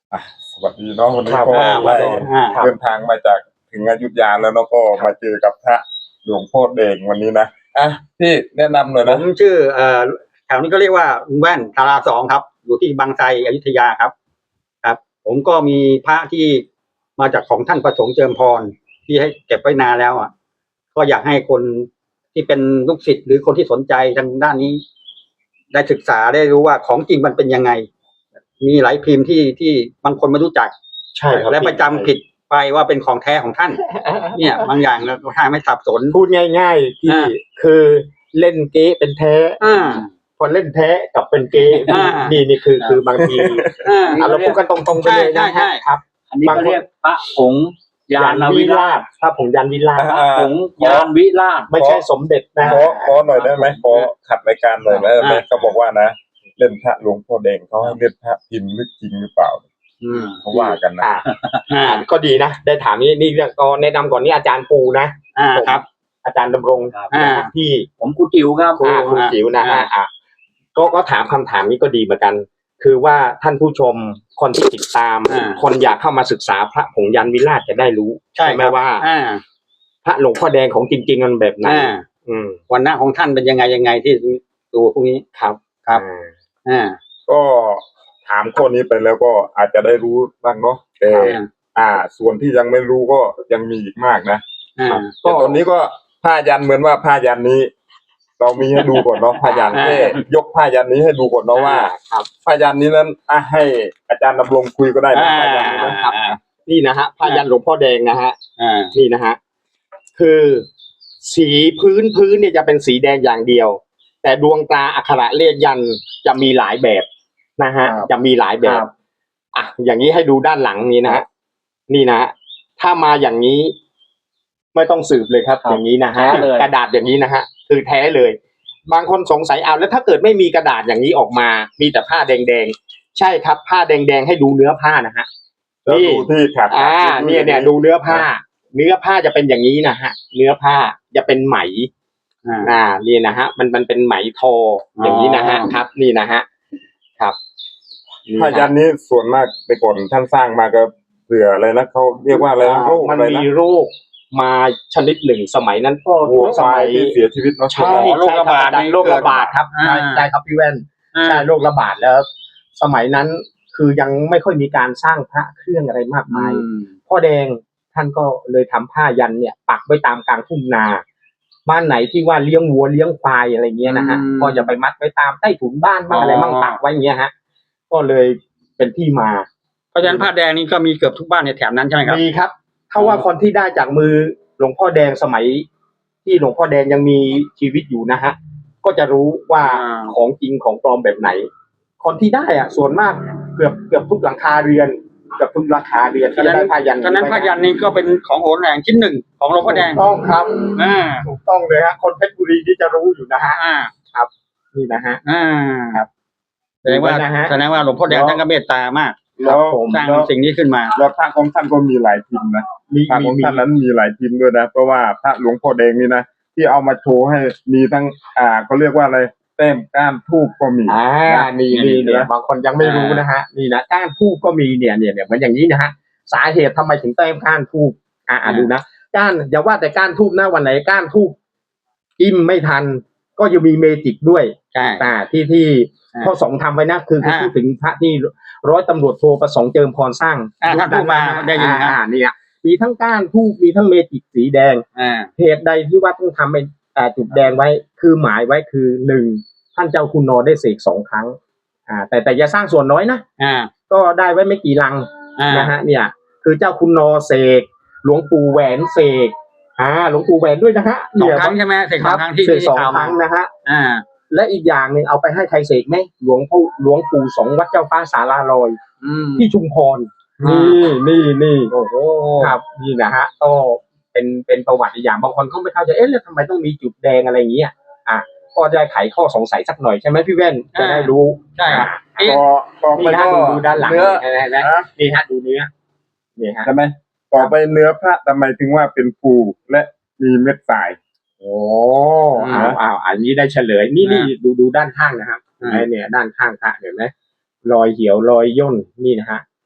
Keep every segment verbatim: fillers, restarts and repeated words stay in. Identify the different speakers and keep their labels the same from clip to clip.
Speaker 1: อ่ะสวัสดีเนาะวันนี้ก็
Speaker 2: อ่า
Speaker 1: ได้
Speaker 2: อ่า
Speaker 1: เดินทางมาจากถึงอยุธยาแล้วเนาะก็มาเจอกับพระหลวงพ่อเด่งวันนี้นะอ่ะพี่แนะนำหน่อย
Speaker 2: ผ
Speaker 1: นะ
Speaker 2: มชื่อเอ่อแถวนี้ก็เรียกว่าลุงแว่นทาราสองครับ อยู่ที่บางไทรอยุธยาครับ ครับ ผมก็มีพระที่มาจากของท่านประสงค์เจิมพรที่ให้เก็บไว้นานแล้วอ่ะก็อยากให้คนที่เป็นลูกศิษย์หรือคนที่สนใจทางด้านนี้ ได้ศึกษาได้รู้ว่าของจริงมันเป็นยังไง มีหลายพิมพ์ที่ที่บางคนไม่รู้จัก
Speaker 3: ใช่ครับ
Speaker 2: และประจำผิดไปว่าเป็นของแท้ของท่าน เนี่ยบางอย่างเราถ้าไม่สับสน
Speaker 3: พูดง่ายๆที่
Speaker 2: อ่า
Speaker 3: คือเล่นเก๊เป็นแท้
Speaker 2: อ่า
Speaker 3: พอเล่นแท้กับเป็นเก๊
Speaker 2: อ่า
Speaker 3: นี่นี่คือคือบางที
Speaker 2: อ่า
Speaker 3: อ่ะเราพูดกันตรงๆไปเลยนะ
Speaker 2: ใช่ใช่
Speaker 3: ครับ
Speaker 4: อันนี้ก็เรียกพระผงยานวิ
Speaker 3: วิ
Speaker 4: รา
Speaker 3: รา
Speaker 4: ช
Speaker 3: ชพระผงยานวิราช
Speaker 1: อ่า
Speaker 4: พระผงยานวิราช
Speaker 3: ไม่ใช่สมเด็จนะ
Speaker 1: ขอขอหน่อยได้ไหมขอขัดรายการหน่อยได้ไหมเขาบอกว่านะเล่นพระหลวงพ่อเด่งเขาให้เล่นพระพิมพ์ลึกจริงหรือเปล่า
Speaker 2: อืม
Speaker 1: เขาว่ากันนะ
Speaker 3: อ่า
Speaker 2: อ่า
Speaker 3: ก็ดีนะได้ถามนี่นี่ก็แนะนำก่อนนี่อาจารย์ปูนะ
Speaker 2: อ่าครับ
Speaker 3: อาจารย์ดำรง
Speaker 4: ครับ
Speaker 3: นะที่
Speaker 4: ผมครูจิ๋วครับ
Speaker 3: อ่าคุณจิ๋วนะ
Speaker 2: อ่า
Speaker 3: อ่าอ่าก็ก็ถามคำถามนี้ก็ดีเหมือนกัน คือว่าท่านผู้ชมคนที่ติดตาม
Speaker 2: อ่า
Speaker 3: คนอยากเข้ามาศึกษาพระผงยันวิราชจะได้รู้
Speaker 2: ใช่
Speaker 3: ไหม
Speaker 2: ครับ
Speaker 3: ว่า
Speaker 2: อ่า
Speaker 3: พระหลวงพ่อแดงของจริงๆมันแบบไหน
Speaker 2: อ่า
Speaker 3: อืม
Speaker 2: วันหน้าของท่านเป็นยังไงยังไงที่ดูพวกนี้
Speaker 3: ครับ
Speaker 2: ครับ
Speaker 3: อ่า
Speaker 2: อ่า
Speaker 1: ก็ถามข้อนี้ไปแล้วก็อาจจะได้รู้บ้างเนาะแต่
Speaker 2: อ่า
Speaker 1: อ่า ส่วนที่ยังไม่รู้ก็ยังมีอีกมากนะ
Speaker 2: อ่า
Speaker 1: แต่ตอนนี้ก็ผ้ายันเหมือนว่าผ้ายันนี้ เรามีให้ดูก่อนเนาะผ้ายัน
Speaker 2: อ่า
Speaker 1: แค่ยกผ้ายันนี้ให้ดูก่อนเนาะว่า
Speaker 3: ครับ
Speaker 1: ผ้ายันนี้นั้นอ่ะให้อาจารย์ดำรงคุยก็ได้นะผ้ายันนี้นะ
Speaker 3: ครับ นี่นะฮะพระยันหลวงพ่อแดงนะฮะ
Speaker 2: อ่า
Speaker 3: นี่นะฮะคือสีพื้นพื้นเนี่ยจะเป็นสีแดงอย่างเดียว แต่ดวงตาอักขระเลขยันจะมีหลายแบบนะฮะ
Speaker 1: ครับ
Speaker 3: จะมีหลายแบ
Speaker 1: ครับ บ
Speaker 3: อ่ะอย่างนี้ให้ดูด้านหลังนี้นะฮะนี่นะฮะถ้ามาอย่างนี้ ไม่ต้องสืบเลยครับ
Speaker 4: ครับ
Speaker 3: อย่างนี้นะฮะ
Speaker 4: แท้เลย
Speaker 3: กระดาษอย่างนี้นะฮะคือแท้เลย บางคนสงสัยเอาแล้วถ้าเกิดไม่มีกระดาษอย่างนี้ออกมา มีแต่ผ้าแดงๆใช่ครับ ผ้าแดงๆให้ดูเนื้อผ้านะฮะ
Speaker 1: แล้วดูที่ขาด
Speaker 3: อ่าเนี่ยเนี่ยดูเนื้อผ้า เนื้อผ้าจะเป็นอย่างนี้นะฮะ เนื้อผ้าจะเป็นไหม
Speaker 2: อ่า
Speaker 3: อ่านี่นะฮะ มันมันเป็นไหมทออย่างนี้นะฮะ
Speaker 2: อ๋อ
Speaker 3: ครับ นี่นะฮะครับ
Speaker 1: ผ้ายันนี้ส่วนมากไปก่อนท่านสร้างมาก็เผื่ออะไรนะเขาเรียกว่าอะไรนะโรค
Speaker 3: มัน
Speaker 1: อะไร
Speaker 3: มี
Speaker 1: นะ
Speaker 3: โรคมาชนิดหนึ่งสมัยนั้นก็
Speaker 1: วัว
Speaker 3: ส
Speaker 1: ควา
Speaker 3: มั
Speaker 1: ย
Speaker 3: ย
Speaker 1: ที่เสียชีวิตเนาะ
Speaker 3: ใช่
Speaker 2: โรคระบาด
Speaker 3: ใช่คโรคระบาดครับ
Speaker 2: อ่า
Speaker 3: ใช่ใช่ครับพี่แว่น
Speaker 2: อ่า
Speaker 3: ใช่โรคระบาดแล้ว สมัยนั้นคือยังไม่ค่อยมีการสร้างพระเครื่องอะไรมากมาย
Speaker 2: อืม
Speaker 3: พ่อแดงท่านก็เลยทำผ้ายันเนี่ย ปักไว้ตามกลางทุ่งนา บ้านไหนที่ว่าเลี้ยงวัวเลี้ยงควายอะไรเงี้ยนะฮะ
Speaker 2: อืม
Speaker 3: ก็จะไปมัดไว้ตามใต้ถุนบ้านบ้างอะไรบ้าง
Speaker 2: อ๋อ
Speaker 3: ปักไว้อย่างเงี้ยฮะ ก็เลยเป็นที่มา
Speaker 2: เพราะฉะนั้นผ้าแดงนี่ก็มีเกือบทุกบ้านในแถบนั้นใช่ไหมครับ
Speaker 3: มีครับถ้าว่าคนที่ได้จากมือหลวงพ่อแดงสมัย ที่หลวงพ่อแดงยังมีชีวิตอยู่นะฮะ ก็จะรู้ว่า
Speaker 2: อ่า
Speaker 3: ของจริงของปลอมแบบไหน คนที่ได้อ่ะ ส่วนมากเกือบเกือบทุกหลังคาเรือนเกือบทุกหลังคาเรือนที่จะได้ผ้ายัน
Speaker 2: ฉะนั้นผ้ายันนี่ก็เป็นของโหนแหลงชิ้นหนึ่งของหลวงพ่อแดง
Speaker 3: ถูกต้องครับ
Speaker 2: อ่า
Speaker 3: ถูกต้องเลยฮะคนเพชรบุรีที่จะรู้อยู่นะฮะ
Speaker 2: อ่า
Speaker 3: นี่นะฮะ
Speaker 2: อ่า
Speaker 3: ครับ
Speaker 2: แสดงว่า
Speaker 3: ดูไว้นะฮะ
Speaker 2: แสดงว่าหลวงพ่อแดงท่านก็เมตตามาก
Speaker 1: แล้ว
Speaker 3: ผม
Speaker 2: สร้าง
Speaker 1: แล้ว
Speaker 2: สิ่งนี้ขึ้นมา
Speaker 1: แล้วพระของท่านก็มีหลายพิมพ์นะ
Speaker 3: มี
Speaker 1: พระ
Speaker 3: มี
Speaker 1: ของ
Speaker 3: มี
Speaker 1: ท่านนั้นมีหลายพิมพ์ด้วยนะเพราะว่าพระหลวงพ่อแดงนี่นะที่เอามาโชว์ให้มีทั้งอ่าเขาเรียกว่าอะไรแต้มก้านทูบก็มี
Speaker 3: อ่า
Speaker 1: นะ
Speaker 3: นี่
Speaker 1: นี่
Speaker 3: นี่เนี่ย
Speaker 1: นะ
Speaker 3: บางคนยังไม่รู้นะฮะ นี่นะก้านทูบก็มีเนี่ยเนี่ยเนี่ยเหมือนอย่างนี้นะฮะ สาเหตุทำไมถึงแต้มก้านทูบอ่าอ่า
Speaker 2: อ่า
Speaker 3: ดูนะก้านอย่าว่าแต่ก้านทูบนะวันไหนก้านทูบอิ่มไม่ทัน ก็ยังมีเมจิกด้วย
Speaker 2: ใช่
Speaker 3: อ่าที่ที่
Speaker 2: อ่า
Speaker 3: พ่อสงฆ์ทำไว้นะคือคือ
Speaker 2: อ่า
Speaker 3: พูดถึงพระที่ร้อยตำรวจโทประสงค์เจิมพรสร้าง
Speaker 2: อ่าท่านพูดมาได้ยินครับ
Speaker 3: อ่าเนี่ยมีทั้งก้านทูบมีทั้งเมจิกสีแดง
Speaker 2: อ่า
Speaker 3: เหตุใดที่ว่าต้องทำเป็นอ่าจุดแดงไว้คือหมายไว้คือหนึ่งท่านเจ้าคุณนอได้เสกสองครั้งอ่าแต่แต่อย่าสร้างส่วนน้อยนะ
Speaker 2: อ่า
Speaker 3: ก็ได้ไว้ไม่กี่ลัง
Speaker 2: อ่า
Speaker 3: นะฮะเนี่ย คือเจ้าคุณนอเสกหลวงปู่แหวนเสกอ่าหลวงปู่แหวนด้วยนะฮะ
Speaker 2: สอง
Speaker 3: เนี่ย
Speaker 2: ครั้งใช่ไหมเสก
Speaker 3: ค
Speaker 2: สอ
Speaker 3: รั
Speaker 2: ง
Speaker 3: บ
Speaker 2: ครั้งที่
Speaker 3: เสก
Speaker 2: ที่
Speaker 3: สอง
Speaker 2: ข่าว
Speaker 3: ค
Speaker 2: มา
Speaker 3: รั้งนะฮะ
Speaker 2: อ่า
Speaker 3: และอีกอย่างหนึ่งเอาไปให้ใครเสกไหมหลวงปู่หลวงปู่สงฆ์วัดเจ้าฟ้าสาราลอย
Speaker 2: อืม
Speaker 3: ที่ชุมพร
Speaker 2: อ่า
Speaker 3: นี่นี่นี่
Speaker 2: โอ้โห
Speaker 3: ครับนี่นะฮะก็เป็นเป็นประวัติอีกอย่างบางคนเขาไม่เข้าใจเอ๊ะแล้วทำไมต้องมีจุดแดงอะไรอย่างเงี้ยอ่ะก็ได้ไขข้อสงสัยสักหน่อยใช่ไหมพี่แว่นจะได้รู้
Speaker 2: ใช่
Speaker 3: อ่ะ
Speaker 2: เอ๊ะ
Speaker 1: ก็ต่อไป
Speaker 3: นี่ฮะ
Speaker 1: ก็
Speaker 3: ดูดูด้านหลัง
Speaker 1: เนื้อ
Speaker 3: เห็นไหมเห็นไหม
Speaker 1: นะ
Speaker 3: นี่ฮะดูเนื้อนี่ฮะ
Speaker 1: ใช่ไหมต่อไปเนื้อพระทำไมถึงว่าเป็นปูและมีเม็ดทราย
Speaker 3: โอ้อ้าวอ้าวอันนี้ได้เฉลยนี่นี่ดูดูด้านข้างนะครับ
Speaker 2: อ่า
Speaker 3: ไอ้เนี่ยด้านข้างพระเห็นไหมรอยเหี่ยวรอยย่นนี่นะฮะ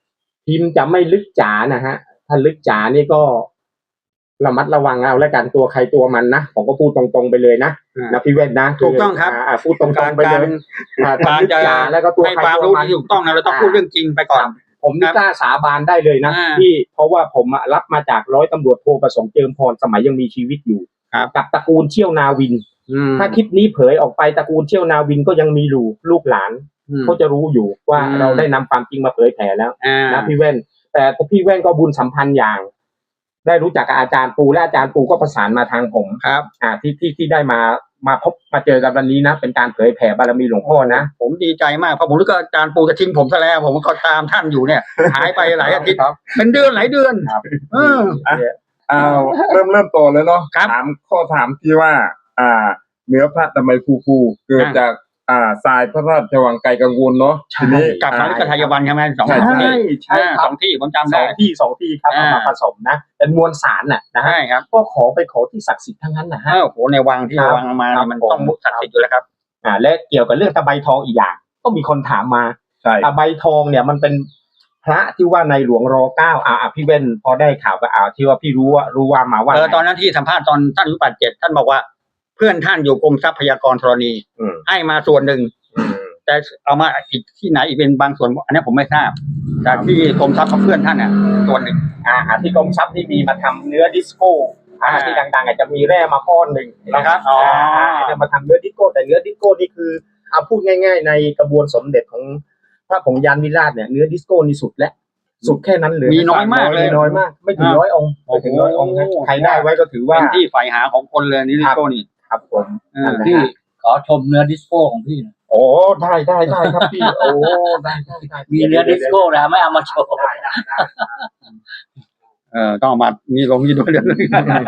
Speaker 3: พิมพ์จะไม่ลึกจ๋านะฮะถ้าลึกจ๋านี่ก็ระมัดระวังเอาแล้วกันตัวใครตัวมันนะผมก็พูดตรงๆไปเลยนะนะพี่เว้นนะ
Speaker 2: ถูกต้องครับ
Speaker 3: าพูดตรงๆไปเลยอ่า
Speaker 2: การ
Speaker 3: ถ้าลึก
Speaker 2: จะ
Speaker 3: จ๋าแล้วก็ตัว
Speaker 2: ให้
Speaker 3: ใคร
Speaker 2: ความ
Speaker 3: ตัว
Speaker 2: รู้
Speaker 3: มัน
Speaker 2: ที่ถูกต้องนะเราต้องพูดเรื่องจริงไปก่อน
Speaker 3: ผมนี่กล้าสาบานได้เลยนะ
Speaker 2: อ่า
Speaker 3: ที่เพราะว่าผมอะรับมาจากร้อยตำรวจโทประสงค์เจิมพรสมัยยังมีชีวิตอยู่
Speaker 2: ครับ
Speaker 3: กับตระกูลเชี่ยวนาวิน
Speaker 2: อืม
Speaker 3: ถ้าคลิปนี้เผยออกไปตระกูลเชี่ยวนาวินก็ยังมีอยู่ลูกหลาน
Speaker 2: อืม
Speaker 3: เขาจะรู้อยู่ว่า
Speaker 2: อืม
Speaker 3: เราได้นำความจริงมาเผยแผ่แล้ว
Speaker 2: อ่า
Speaker 3: นะพี่แว่น แต่พี่แว่นก็บุญสัมพันธ์อย่าง ได้รู้จักกับอาจารย์ปูและอาจารย์ปูก็ประสานมาทางผม
Speaker 2: ครับ
Speaker 3: อ่าที่ที่ที่ได้มามาพบมาเจอกันวันนี้นะเป็นการเผยแผ่บารมีหลวงพ่อนะ
Speaker 2: ผมดีใจมากเพราะผมรู้ว่าอาจารย์ปูจะทิ้งผมซะแล้ว ผมก็ตามท่านอยู่เนี่ย หายไปหลายอาทิตย์
Speaker 3: ครับ
Speaker 2: เป็นเดือนหลายเดือน
Speaker 3: ครับ
Speaker 2: เออ
Speaker 1: อ้าวเริ่มเริ่มโตเลยเนาะ
Speaker 2: ครับ
Speaker 1: ถามข้อถามที่ว่า อ่า เนื้อพระทำไมฟูๆเกิด
Speaker 2: อ่า
Speaker 1: จากอ่าทรายพระราชวังไกลกังวลเนาะ
Speaker 3: ใช่
Speaker 1: ทีนี้
Speaker 2: กับพระนิกไทยวันใช่ไหมสอง
Speaker 1: ใช่
Speaker 2: สองที่
Speaker 3: ใช่ครับ
Speaker 2: สองที่ผมจำ
Speaker 3: ส
Speaker 2: ได้
Speaker 3: องที่สองที่ครับ
Speaker 2: อ่า
Speaker 3: เอามาผสมนะเป็นมวลสารน่ะนะฮะ
Speaker 2: ใช่ครับ
Speaker 3: ก็ขอไปขอที่ศักดิ์สิทธิ์ทั้งนั้นนะฮะ
Speaker 2: อ้าวโหในวังที่
Speaker 3: ครับ
Speaker 2: วังมา
Speaker 3: ครับ
Speaker 2: มัน
Speaker 3: ผม
Speaker 2: ต้องมุกศักดิ์สิทธิ์อยู่แล้วครับ
Speaker 3: อ่าและเกี่ยวกับเรื่องตะไบทองอีกอย่าง ก็มีคนถามมา
Speaker 1: ใช่
Speaker 3: ตะไบทองเนี่ยมันเป็นพระที่ว่าในหลวงรอเก้าอ่าอ่าพี่เว้นพอได้ข่าวก็อ่าที่ว่าพี่รู้ว่ารู้ว่ามาว่า
Speaker 2: เออ
Speaker 3: ไง
Speaker 2: ตอนนั้นที่สัมภาษณ์ตอนท่านอายุแปดเจ็ดท่านบอกว่า เพื่อนท่านอยู่กรมทรัพยากรธรณี
Speaker 3: อืม
Speaker 2: ให้มาส่วนหนึ่ง
Speaker 3: อืม
Speaker 2: แต่เอามาอีกที่ไหนอีกเป็นบางส่วน อันนี้ผมไม่ทราบแต่ที่กรมทรัพย์กับเพื่อนท่านเนี่ยส่วนหนึ่ง
Speaker 3: อ่าอ่าที่กรมทรัพย์ที่มีมาทำเนื้อดิสโก้อ่า
Speaker 2: อ่า
Speaker 3: ที่ดังๆอาจจะมีแร่มาก้อนหนึ่ง
Speaker 2: นะครับอ๋ออ่
Speaker 3: าจะมาทำเนื้อดิสโก้แต่เนื้อดิสโก้นี่คือเอาพูดง่ายๆในกระบวนสมเด็จของพระผงยานวิราชเนี่ยเนื้อดิสโก้นี่สุดแล้วสุดแค่นั้นเลย
Speaker 2: มีน้อยมากเลย
Speaker 3: น้อยมาก ไม่ถึงร้อยองค์ไม่ถึงร้อยองค์นะใครได้ไว้ก็ถือว่า
Speaker 2: เป็นที่ใฝ่หาของคนเลยนี่ลิโก้นี่
Speaker 3: ครับผม
Speaker 2: เออ
Speaker 3: นั่นแหละ
Speaker 4: พี่
Speaker 3: ฮะ
Speaker 4: ขอชมเนื้อดิสโก้ของพี่หน่อย
Speaker 3: โอ้ได้ได้ได้ครับพี่โอ้ได้ได้ได้
Speaker 4: มีเนื้อดิสโก้นะไม่เอามาโชว์
Speaker 3: ได้ได้ได้
Speaker 2: เออต้องเอามานี่ลงนี่ด้วยเรื่องนึง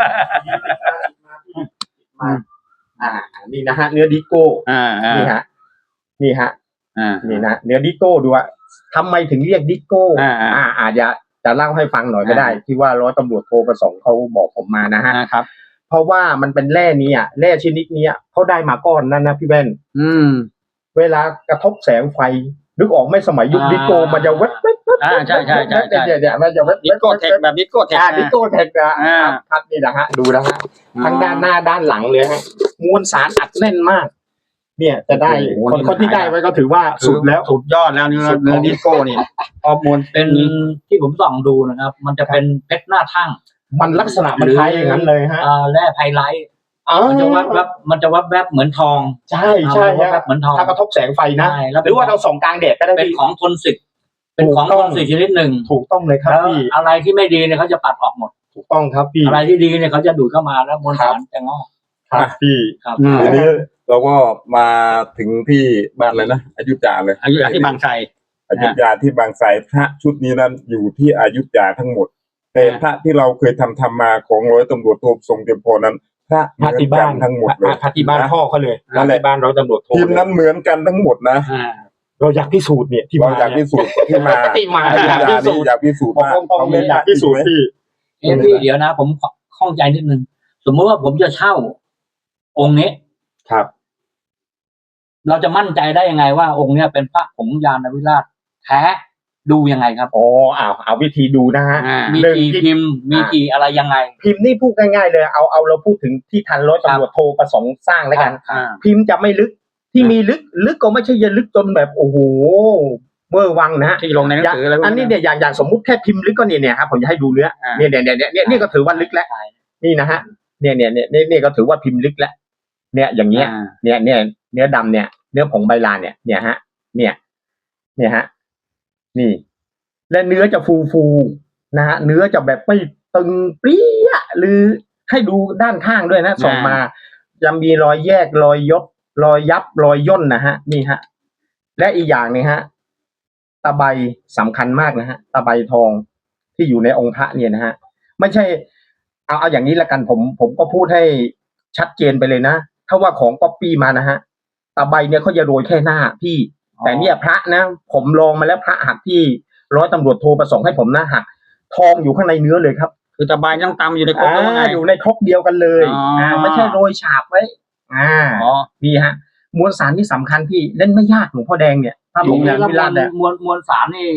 Speaker 3: มาอ่านี่นะฮะเนื้อดิโก้
Speaker 2: อ่าอ่า
Speaker 3: นี่ฮะนี่ฮะ
Speaker 2: อ่า
Speaker 3: นี่นะเนื้อดิโก้ดูว่าทำไมถึงเรียกดิโก้
Speaker 2: อ่าอ่า
Speaker 3: อ่าอาจจะจะเล่าให้ฟังหน่อยก็ได้ ที่ว่าร้อยตำรวจโทประสงค์เขาบอกผมมานะฮะ
Speaker 2: อ่าครับ
Speaker 3: เพราะว่ามันเป็นแร่นี้อ่ะแร่ชนิดนี้อะเขาได้มาก้อนนั่นนะพี่แว่น
Speaker 2: อืม
Speaker 3: เวลากระทบแสงไฟนึกออกไหม่สมัยยุค
Speaker 2: อ่า
Speaker 3: ดิโก้มันจะเว็บเว็บเว็บ
Speaker 2: อ่าใช่ใช่ใช่ใช่
Speaker 3: เดี๋ยวเดี๋ยวมันจะเว็บ
Speaker 2: ดิโก้เทคแบบดิโก้เทค
Speaker 3: อ่าดิโก้เทคนะ
Speaker 2: อ่า
Speaker 3: ครับครับนี่นะฮะดูนะฮะทั้งด้านหน้าด้านหลังเลยฮะมวลสารอัดแน่นมาก เนี่ยจะได้
Speaker 2: โอ้โห
Speaker 3: คนคนที่ได้ไว้ก็ถือว่าสุดแล้ว
Speaker 2: สุดยอดแล้วเนื้อ
Speaker 3: สุด
Speaker 2: เนื้อดิโก้นี่ฮอร์โมน
Speaker 4: เป็นที่ผมส่องดูนะครับ มันจะเป็นเพชรหน้าทั่ง
Speaker 3: มันลักษณะมันคล้ายอย่างนั้นเลยฮะ
Speaker 4: อ่าแร่ไพไลท์
Speaker 3: อ๋อ
Speaker 4: มันจะวับแวบมันจะวับแวบเหมือนทอง
Speaker 3: ใช่ใช่
Speaker 4: อ่าวับแว
Speaker 3: ฮะ
Speaker 4: บเหมือนทอง
Speaker 3: ถ้ากระทบแสงไฟนะ
Speaker 4: ใช่แล้ว
Speaker 3: ห
Speaker 4: เป็น
Speaker 3: รือว่าเราส่องกลางแดดก็ได้
Speaker 4: เป็น
Speaker 3: พี่
Speaker 4: ของทนศึกเป็นของ
Speaker 3: ถูก
Speaker 4: ท
Speaker 3: ต้อง
Speaker 4: นศึกชนิดหนึ่ง
Speaker 3: ถูกต้องเลยครับ
Speaker 4: แล้ว
Speaker 3: พี่
Speaker 4: อะไรที่ไม่ดีเนี่ยเขาจะปัดออกหมด
Speaker 3: ถูกต้องครับพี่
Speaker 4: อะไรที่ดีเนี่ยเขาจะดูดเข้ามาแล้วมวลสารจะงอก
Speaker 3: ครับพี่
Speaker 4: ครับ
Speaker 2: อืม
Speaker 1: ทีนี้เราก็มาถึงที่บ้านเลยนะอยุธยาเลย
Speaker 2: อายุที่บางไทร
Speaker 1: อยุธยาที่บางไทรพระชุดนี้นั้นอยู่ที่อยุธยาทั้งหมด แต่
Speaker 2: อ่า
Speaker 1: พระที่เราเคยทำทำมาของร้อยตำรวจโททรงเตรียมพรนั้น พระเห
Speaker 3: พระ
Speaker 1: มือน
Speaker 3: ที่
Speaker 1: กั
Speaker 3: บ้าน
Speaker 1: นทั้งหมดเลย
Speaker 3: พระที่บ้านพ่อเขาเลย
Speaker 1: นั่นแหละ
Speaker 3: ที่บ้านเราตำรวจโทร
Speaker 1: ทีมนั้นเหมือนกันทั้งหมดนะ
Speaker 2: อ่า
Speaker 3: เราอยากพิสูจน์เนี่ยที่
Speaker 1: เรา
Speaker 3: มา
Speaker 1: อยากพิสูจน์ที่มา
Speaker 3: ที่มา
Speaker 1: อยุธ
Speaker 3: อยาก
Speaker 1: ยา
Speaker 3: พิ
Speaker 1: นี่
Speaker 3: สูจน์
Speaker 1: อยากพิสูจน์
Speaker 3: บอก
Speaker 1: มาก
Speaker 3: ตรงๆเลยอยากพิสูจน์พี่
Speaker 4: เอ้พี่เดี๋ยวนะ ผมข้องใจนิดนึงสมมติว่าผมจะเช่า องค์นี้
Speaker 3: ครับ
Speaker 4: เราจะมั่นใจได้ยังไงว่าองค์เนี้ยเป็นพระผงยานวิราชแท้ดูยังไงครับ
Speaker 3: อ๋อเอาเอาวิธีดูนะฮะ
Speaker 2: อ่า
Speaker 4: มี
Speaker 3: หนึ่ง
Speaker 4: กี่
Speaker 3: ที่
Speaker 4: พิมพ์ มีกี่อะไรยังไง
Speaker 3: พิมพ์นี่พูดง่ายๆเลยเอาเอาเราพูดถึงที่ทันร้อยตำรวจโทรประสงค์สร้างแล้วกัน
Speaker 2: อ่า
Speaker 3: พิมพ์จะไม่ลึกที่มีลึกลึกก็ไม่ใช่จะลึกจนแบบโอ้โหเวอร์วังนะฮะ
Speaker 2: ที่ลงในหนังสืออะไรพวก
Speaker 3: อันนี้เนี่ยอย่างอย่างสมมุติแค่พิมพ์ลึกก็เนี่ยเนี่ยครับผมจะให้ดูเนื้อ
Speaker 2: อ่า
Speaker 3: เนี่ยเนี่ยเนี่ยเนี่ยนี่ก็ถือว่าลึกแล้วนี่นะฮะเนี่ยเนี่ยเนี่ยเนี่ยเนี่ยก็ถือว่าพิมพ์ลึกแล้วเนี่ยอย่างเงี้ย
Speaker 2: อ่า
Speaker 3: เนี่ยเนี่ยเนื้อดำเนี่ยเนื้อผงใบลานเนี่ยเนี่ยฮะ เนี่ย เนี่ยฮะ นี่ และเนื้อจะฟูฟูๆนะฮะเนื้อจะแบบไม่ตึงเปรี้ยหรือให้ดูด้านข้างด้วยนะส่งมาจะมีรอยแยกรอยยบรอยยับรอยย่นนะฮะนี่ฮะและอีกอย่างนึงฮะตะไบสำคัญมากนะฮะตะไบทองที่อยู่ในองค์พระเนี่ยนะฮะไม่ใช่เอาเอาอย่างนี้ละกันผม ผมก็พูดให้ชัดเจนไปเลยนะถ้าว่าของก๊อปปี้มานะฮะตะไบเนี่ยเขาจะโรยแค่หน้าพี่แต่เนี่ยพระนะผมลองมาแล้วพระหักที่ร้อยตำรวจโทรประสงค์ให้ผมนะหักทองอยู่ข้างในเนื้อเลยครับ
Speaker 2: คือตะไบต้องตำอยู่ในครกแล้วว่าไง
Speaker 3: อ่าอยู่ในครกเดียวกันเลย
Speaker 2: อ๋ออ่
Speaker 3: อ่าไม่ใช่โรยฉาบไว้ อ่า
Speaker 2: อ๋อ
Speaker 3: นี่ฮะมวลสารที่สำคัญพี่เล่นไม่ยากหลวงพ่อแดงเนี่ยถ้าผ
Speaker 4: ผม
Speaker 3: ม
Speaker 4: แล้
Speaker 3: ยาว น
Speaker 4: ม
Speaker 3: วิ
Speaker 4: ว
Speaker 3: รา
Speaker 4: ล
Speaker 3: ชเนี่ย
Speaker 4: มวลมวลสารนี่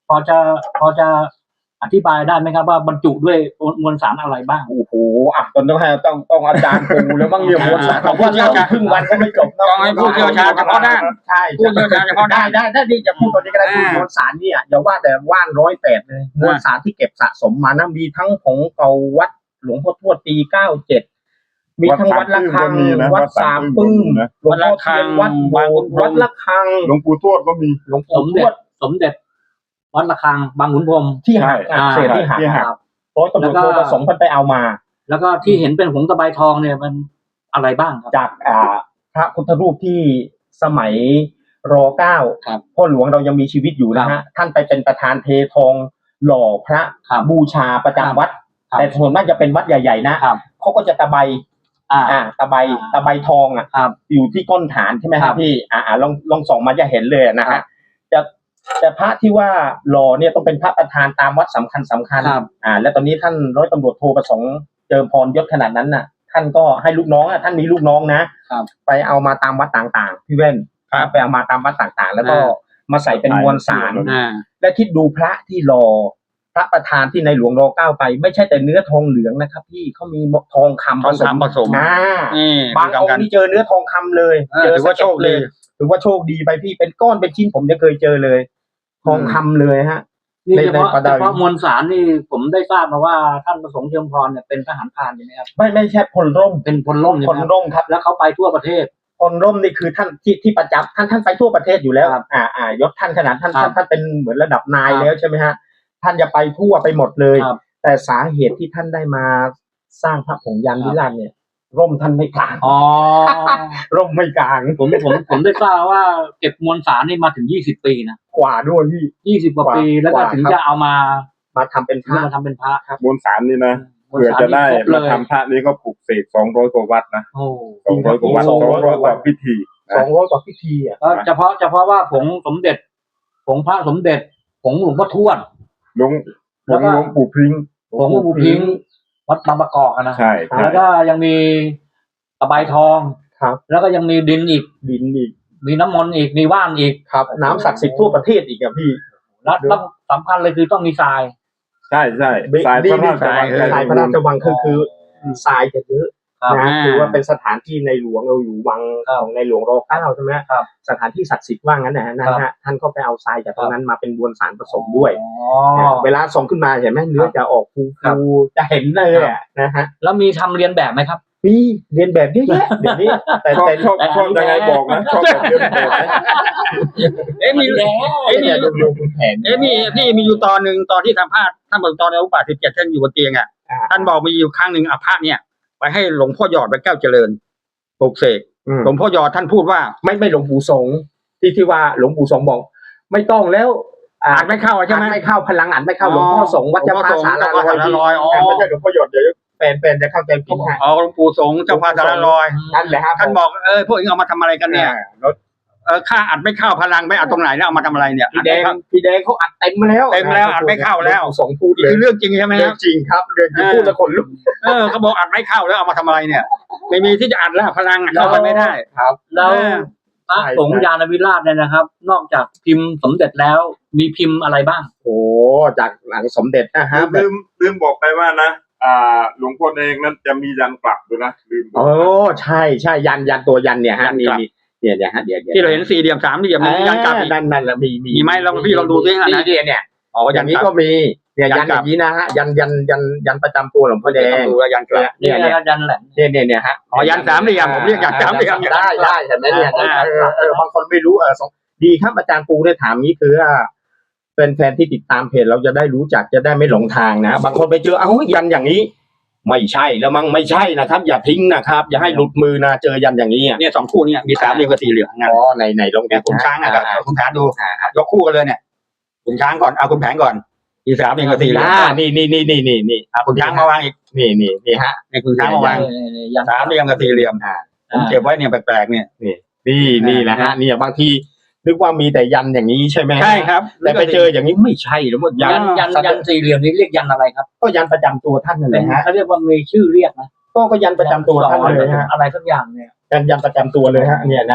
Speaker 4: พอจะพอจะอธิบายได้ไหมครับว่าบรรจุด้วยมวลสารอะไรบ้าง
Speaker 3: โอ้โหอ่ะตอนต้องให้ต้องต้องอาจารย์ปูแล้วบ้างเนี่ยมวลสาร
Speaker 2: ต้องผู้เชี่ยวชาญ
Speaker 3: ครึ่งวันก็ไม่จบนะ
Speaker 2: ต้องให้ผู้เชี่ยวชาญเฉพาะด้าน
Speaker 3: ใช่
Speaker 2: ผู้เชี่ยวชาญเฉพาะ
Speaker 3: ได้
Speaker 2: ด้าน
Speaker 3: ได้ได้ที่จะพูดตอนนี้ก็ได้
Speaker 2: อ่าม
Speaker 3: มวลสารเนี่ยอย่าว่าแต่ว่านร้อยแปดเลยมวลสารที่เก็บสะสมมานะมีทั้งผงเก่าวัดหลวงพ่อทวดปีเก้าเจ็ดมีทั้งวัดละคังวัดสามปึ้งหลวงพ่อเทียนวัดโบสถ์วัดละคัง
Speaker 1: หลวงปู่ทวดก็มี
Speaker 3: หลวง
Speaker 4: ส
Speaker 3: ปู่
Speaker 4: ม
Speaker 3: ท
Speaker 4: เด็
Speaker 3: ว
Speaker 4: จ
Speaker 3: ด
Speaker 4: สมเด็จวัดระฆังบางขุนพรหม
Speaker 3: ที่หัก
Speaker 1: ใช่
Speaker 3: อ่ะเศษที่หัก
Speaker 1: ที่หัก
Speaker 3: ครับร้อยตำรวจโทประสงค์เพิ่นไปเอามา
Speaker 4: แล้วก็ที่เห็นเป็นผงตะไบทองเนี่ยมันอะไรบ้างครับ
Speaker 3: จากอ่าพระพุทธรูปที่สมัยรอเก้า
Speaker 4: ครับ
Speaker 3: พ่อหลวงเรายังมีชีวิตอยู่นะฮะท่านไปเป็นประธานเททองหล่อพระ
Speaker 4: ครับ
Speaker 3: บูชาประจำวัด
Speaker 4: ครับ
Speaker 3: แต่ส่วนมากจะเป็นวัดใหญ่ๆนะครับ เขาก็จะตะไบ
Speaker 4: อ่า
Speaker 3: อ่าตะไบ
Speaker 4: อ่า
Speaker 3: ตะไบทองอ่ะ
Speaker 4: ครับ
Speaker 3: อยู่ที่ก้นฐานใช่ไหมค
Speaker 4: ครั
Speaker 3: รับบ พี่อ่าอ่าลองลองส่องมาจะเห็นเลยนะ
Speaker 4: ครั
Speaker 3: ฮะ
Speaker 4: บ
Speaker 3: จะแต่พระที่ว่าหล่อเนี่ยต้องเป็นพระประธานตามวัดสำคัญสำคัญ
Speaker 4: ครับ
Speaker 3: อ่า และตอนนี้ท่านร้อยตำรวจโทประสงค์เจิมพรยศขนาดนั้นน่ะ ท่านก็ให้ลูกน้องอ่ะท่านมีลูกน้องนะครับ ไปเอามาตามวัดต่างๆพี่เว้น
Speaker 2: ครับ
Speaker 3: ไปเอามาตามวัดต่างๆ แล้วก็
Speaker 2: อ่า
Speaker 3: มาใส่เป็นมวลสาร
Speaker 2: อ่า
Speaker 3: และคิดดูพระที่รอพระประธานที่ในหลวงรอเก้าไป ไม่ใช่แต่เนื้อทองเหลืองนะครับพี่เขามีทองคำ
Speaker 2: ทองคำผสม
Speaker 3: อ่า
Speaker 2: นี่
Speaker 3: บางองค์นี่เจอเนื้อทองคำเลย
Speaker 2: เออถือว่าโชคดี
Speaker 3: ถือว่าโชคดีไปพี่เป็นก้อนเป็นชิ้นผมยังเคยเจอเลย ทองคำเลยฮะ
Speaker 4: นี่
Speaker 3: ใน
Speaker 4: เฉพาะ
Speaker 3: ในประ
Speaker 4: เฉ
Speaker 3: เดิม
Speaker 4: พาะมวลสารนี่ผมได้ทราบมาว่าท่านประสงค์เชิงพรเนี่ยเป็นทหารพรานใช่ไหมครับ
Speaker 3: ไม่ไม่ใช่พลร่ม
Speaker 4: เป็นพลร่มใช่
Speaker 3: พ
Speaker 4: ไหม
Speaker 3: ล
Speaker 4: ครับ
Speaker 3: ร่มครับ
Speaker 4: แล้วเขาไปทั่วประเทศ
Speaker 3: พลร่มนี่คือท่านที่ที่ประจำท่านท่านไปทั่วประเทศอยู่แล้ว
Speaker 4: ครับ
Speaker 3: อ่าอ่ายศท่านขนาดท่าน
Speaker 4: ครั
Speaker 3: ท่า
Speaker 4: บ
Speaker 3: นท่านเป็นเหมือนระดับนาย
Speaker 4: ครับ
Speaker 3: แล้วใช่ไหมฮะท่านจะไปทั่วไปหมดเลย
Speaker 4: ครับ
Speaker 3: แต่สาเหตุที่ท่านได้มาสร้างพระผงยานวิราชเนี่ย ร่มท่านไม่กลาง
Speaker 4: อ๋อ
Speaker 3: ร่มไม่กลาง
Speaker 4: ผมผมผมได้ทราบว่าเก็บมวลสารนี่มาถึงยี่สิบปีนะ
Speaker 3: กว่าด้วยพี่
Speaker 4: ยี่สิบกว่าปี
Speaker 3: กว่า
Speaker 4: แล้วก็
Speaker 3: กว่า
Speaker 4: ถึง
Speaker 3: ครับ
Speaker 4: จะเอามา
Speaker 3: มาทำเป็นพ
Speaker 4: ถึง
Speaker 3: ระ
Speaker 4: มาทำเป็นพระครับ
Speaker 1: มวลสารนี่นะ
Speaker 4: มวล
Speaker 1: เพื่อ
Speaker 4: สาร
Speaker 1: จะได้
Speaker 4: นี่ครบเล
Speaker 1: มาย ทำพระนี้ก็ปลูกเสกสองร้อยกว่าวัดนะ
Speaker 4: โอ้
Speaker 1: สองร้อยกว่าวัด
Speaker 3: ส
Speaker 1: ส
Speaker 3: อ
Speaker 1: อง ง
Speaker 3: ร้
Speaker 1: ร้
Speaker 3: อ
Speaker 1: อย ย
Speaker 3: ก
Speaker 1: ก
Speaker 3: ว่า
Speaker 1: ว่าพิธี
Speaker 3: สองร้อยกว่าพิธีอ่ะ
Speaker 4: ก็เฉพาะเฉพาะว่าผงสมเด็จผงพระสมเด็จผงหลวงพ่อทวด
Speaker 1: หลวงหล
Speaker 4: แล้ว ว
Speaker 1: ง
Speaker 4: ก็
Speaker 1: หลวงปู่พริ้ง
Speaker 4: ผงหลวงปู่พิงค์วัดบางประกอบอะนะ
Speaker 1: ใช่ใช่
Speaker 4: แล้วก็ยังมีตะไบทอง
Speaker 3: ครับ
Speaker 4: แล้วก็ยังมีดินอีก
Speaker 3: ดินอีก
Speaker 4: มีน้ำมนต์อีกมีว่านอีก
Speaker 3: ครับ น้ำศักดิ์สิทธิ์ทั่วประเทศอีกอ่ะพี่
Speaker 4: แล้วแล้วสำคัญเลยคือต้องมีทราย
Speaker 1: ใช่ใช่
Speaker 3: บิ
Speaker 1: สาย
Speaker 3: บิ
Speaker 1: พระราชวัง
Speaker 3: สายพระราชวังคือคือทรายจะเยอะ
Speaker 4: ครับ
Speaker 3: นะ
Speaker 2: อ่า
Speaker 3: คือว่าเป็นสถานที่ในหลวงเราอยู่วังของในหลวงรอเก้าใช่ไหม
Speaker 4: ครับ
Speaker 3: สถานที่ศักดิ์สิทธิ์ว่างั้นนะฮะนะ
Speaker 4: ครั
Speaker 3: ฮะ
Speaker 4: บ
Speaker 3: ท่านก็ไปเอาทรายจากตรงนั้นมาเป็นมวลสารผสมด้วย
Speaker 4: อ๋อ
Speaker 3: เวลาส่งขึ้นมาเห็นไหมเนื้อจะออกฟู
Speaker 4: ครับ
Speaker 3: ฟูจะเห็นเลยอ่ะนะฮะ
Speaker 4: แล้วมีทำเรียนแบบไหมครับ
Speaker 3: มีเรียนแบบเยอะแยะเดี๋ยวนี้แต่
Speaker 1: ชอบ
Speaker 3: แต่
Speaker 1: ชอบชอบยังไงบอกนะชอบแบบเดิมแบบนะ
Speaker 2: เอ๊ะมี
Speaker 4: แล้ว
Speaker 2: เอ๊ะมี
Speaker 3: เนี่ยดูดูคุณแผน
Speaker 2: เอ๊ะมีพี่มีอยู่ตอนหนึ่งตอนที่สัมภาษณ์ท่านบอกตอนในอุปาสิบเจ็ดท่านอยู่บนเตียงอ่ะ
Speaker 3: อ่า
Speaker 2: ท่านบอกมีอยู่ครั้งหนึ่งอาภาษเนี่ยไปให้หลวงพ่อหยอดไปแก้วเจริญปลุกเสก
Speaker 3: อืม
Speaker 2: หลวงพ่อหยอดท่านพูดว่า
Speaker 3: ไม่ไม่หลวงปู่สงฆ์ที่ที่ว่าหลวงปู่สงฆ์บอก ไม่ต้องแล้วอ่า
Speaker 2: อ่านไม่เข้าใช่ไหม
Speaker 3: อ่านไม่เข้าพลังอ่านไม่เข้าหลวงพ่อสงฆ์วัดเจ้าพระสา
Speaker 2: หลว
Speaker 3: ราง
Speaker 2: พ่อสงฆ์เจ้าพระสาราลอยอ๋อ
Speaker 3: ไม่ใช่หลวงพ่อหยดเดี๋ยวแฟนแฟนจะเข้าใจผิดฮะ
Speaker 2: อ๋อหลวงปู่สงฆ์เจ้าพระสารลอย
Speaker 3: นั่นแหละครับ
Speaker 2: ท่านบอกเออพวกเองเอามาทำอะไรกันเนี่ย
Speaker 3: รถ
Speaker 2: เออข้าอัดไม่เข้าพลังไม่อัดตรงไหนเนี่ยเอามาทำอะไรเนี่ย
Speaker 3: พี่แดงพี่แดงเขาอัดเต็มมาแล้ว
Speaker 2: เต็มแล้วอัดไม่เข้าแล้ว
Speaker 3: หงปู่สงฆ์พูดเลย
Speaker 2: คือเรื่องจริงใช่ไหมค
Speaker 3: เรื่
Speaker 2: รั
Speaker 3: อบ งจริงครับเรื่องจริง
Speaker 2: เออ
Speaker 3: พูดแล้วขนลุก
Speaker 2: เออเขาบอกอัดไม่เข้าแล้วเอามาทำอะไรเนี่ย ไม่มีที่จะอัดแล้วพลังอะเข้าไปไม่ได้
Speaker 3: ครับ
Speaker 4: แล้ว
Speaker 2: เออ
Speaker 4: พระ
Speaker 3: ใช่
Speaker 4: สงฆ์ยานวิราชเนี่ยนะครับ นอกจากพิมพ์สมเด็จแล้วมีพิมพ์อะไรบ้าง
Speaker 3: โอ้จากหลังสมเด็จนะฮะ
Speaker 1: ลืมลืมบอกไปว่านะอ่าหลวงพ่อเองนั้นจะมียันกลับด้วยนะลืมบอก
Speaker 3: โอ้ใช่ใช่ยันยันตัวยันเนี่ยฮะนี่นี่เนี่ยเนี่ยฮะเดี๋ยวดี๋ยว
Speaker 2: ที่เราเห็นสี่เหลี่ยมสามเหลี่ยมมียันกลับอีก
Speaker 3: นั่นนั่นแหละมีมี
Speaker 2: มีไหมลองพี่ลองดูสิฮะ
Speaker 3: นี่เนี่ยเนี่ยอ๋ออย่างนี้ก็มีเนี่ย
Speaker 2: ยั
Speaker 3: ยั
Speaker 2: น
Speaker 3: น
Speaker 2: ก
Speaker 3: อ
Speaker 2: ลับ
Speaker 3: ย่างนี้นะฮะยันยันยันยันประจำตัวหลวงพ่อแดง
Speaker 2: ดูว่ายันกลับ
Speaker 3: เนี่ย
Speaker 4: นี่
Speaker 3: เนี่ย
Speaker 4: ยันแหลม
Speaker 3: เนี่ยเนี่ยเนี่ยฮะ
Speaker 2: อ๋อยันสามเหลี่ยมผมเรียกยันสามเหลี่ยม
Speaker 3: ได้ได้เห็นไหมเนี่ย
Speaker 2: อ่า
Speaker 3: เออเออบางคนไม่รู้เออสองดีครับอาจารย์ปูได้ถามนี้คือว่าเป็นแฟนที่ติดตามเพจเราจะได้รู้จักจะได้ไม่หลงทางนะบางคนไปเจอเอ้ายันอย่างนี้ ไม่ใช่แล้วมั้งไม่ใช่นะครับ อย่าทิ้งนะครับ อย่าให้หลุดมือนะเจอยันอย่างนี้อ่ะ
Speaker 2: เนี่ยสองคู่เนี่ยมีสามเหลี่ยมกับสี่เหลี่ยมนะ
Speaker 3: อ๋อในในลง
Speaker 2: เนี่ยคุณช้างอ่ะ
Speaker 3: อ่า
Speaker 2: คุณช้างดูยกคู่กันเลยเนี่ยคุณช้างก่อนเอาคุณแผงก่อนมีสามเหลี่ยมกับสี่เหลี่ยม
Speaker 3: อ่านี่นี่นี่นี่นี่นี่
Speaker 2: อ่ะคุณช้างมาวางอีก
Speaker 3: นี่นี่นี่ฮะ
Speaker 2: เนี่ยคุณช้างมาวาง
Speaker 4: ยัน
Speaker 2: สามเหลี่ยมกับสี่เหลี่ยม
Speaker 3: อ่า
Speaker 2: ผมเก็บไว้เนี่ยแปลกๆเนี่ย
Speaker 3: นี่นี่แหละฮะเนี่ยบางทีนึกว่ามีแต่ยันอย่างนี้ใช่ไหมฮะ
Speaker 2: ใช่ครับ
Speaker 3: แต่ไปเจออย่างนี้ไม่ใช่หรือว่ายั
Speaker 4: ยั
Speaker 3: น
Speaker 4: นยันยันสี่เหลี่ยมนี้เรียกยันอะไรครับ
Speaker 3: ก็ยันประจำตัวท่านนั่นแห
Speaker 4: เป็น
Speaker 3: ละฮะ
Speaker 4: เขาเรียกว่ามีชื่อเรียกนะ
Speaker 3: ก็ก็ยันประจำตัวท่านเลยฮะ
Speaker 4: อะไรสักอย่างเนี่ย
Speaker 3: ยันยันประจำตัวเลยฮะเนี่ยนะ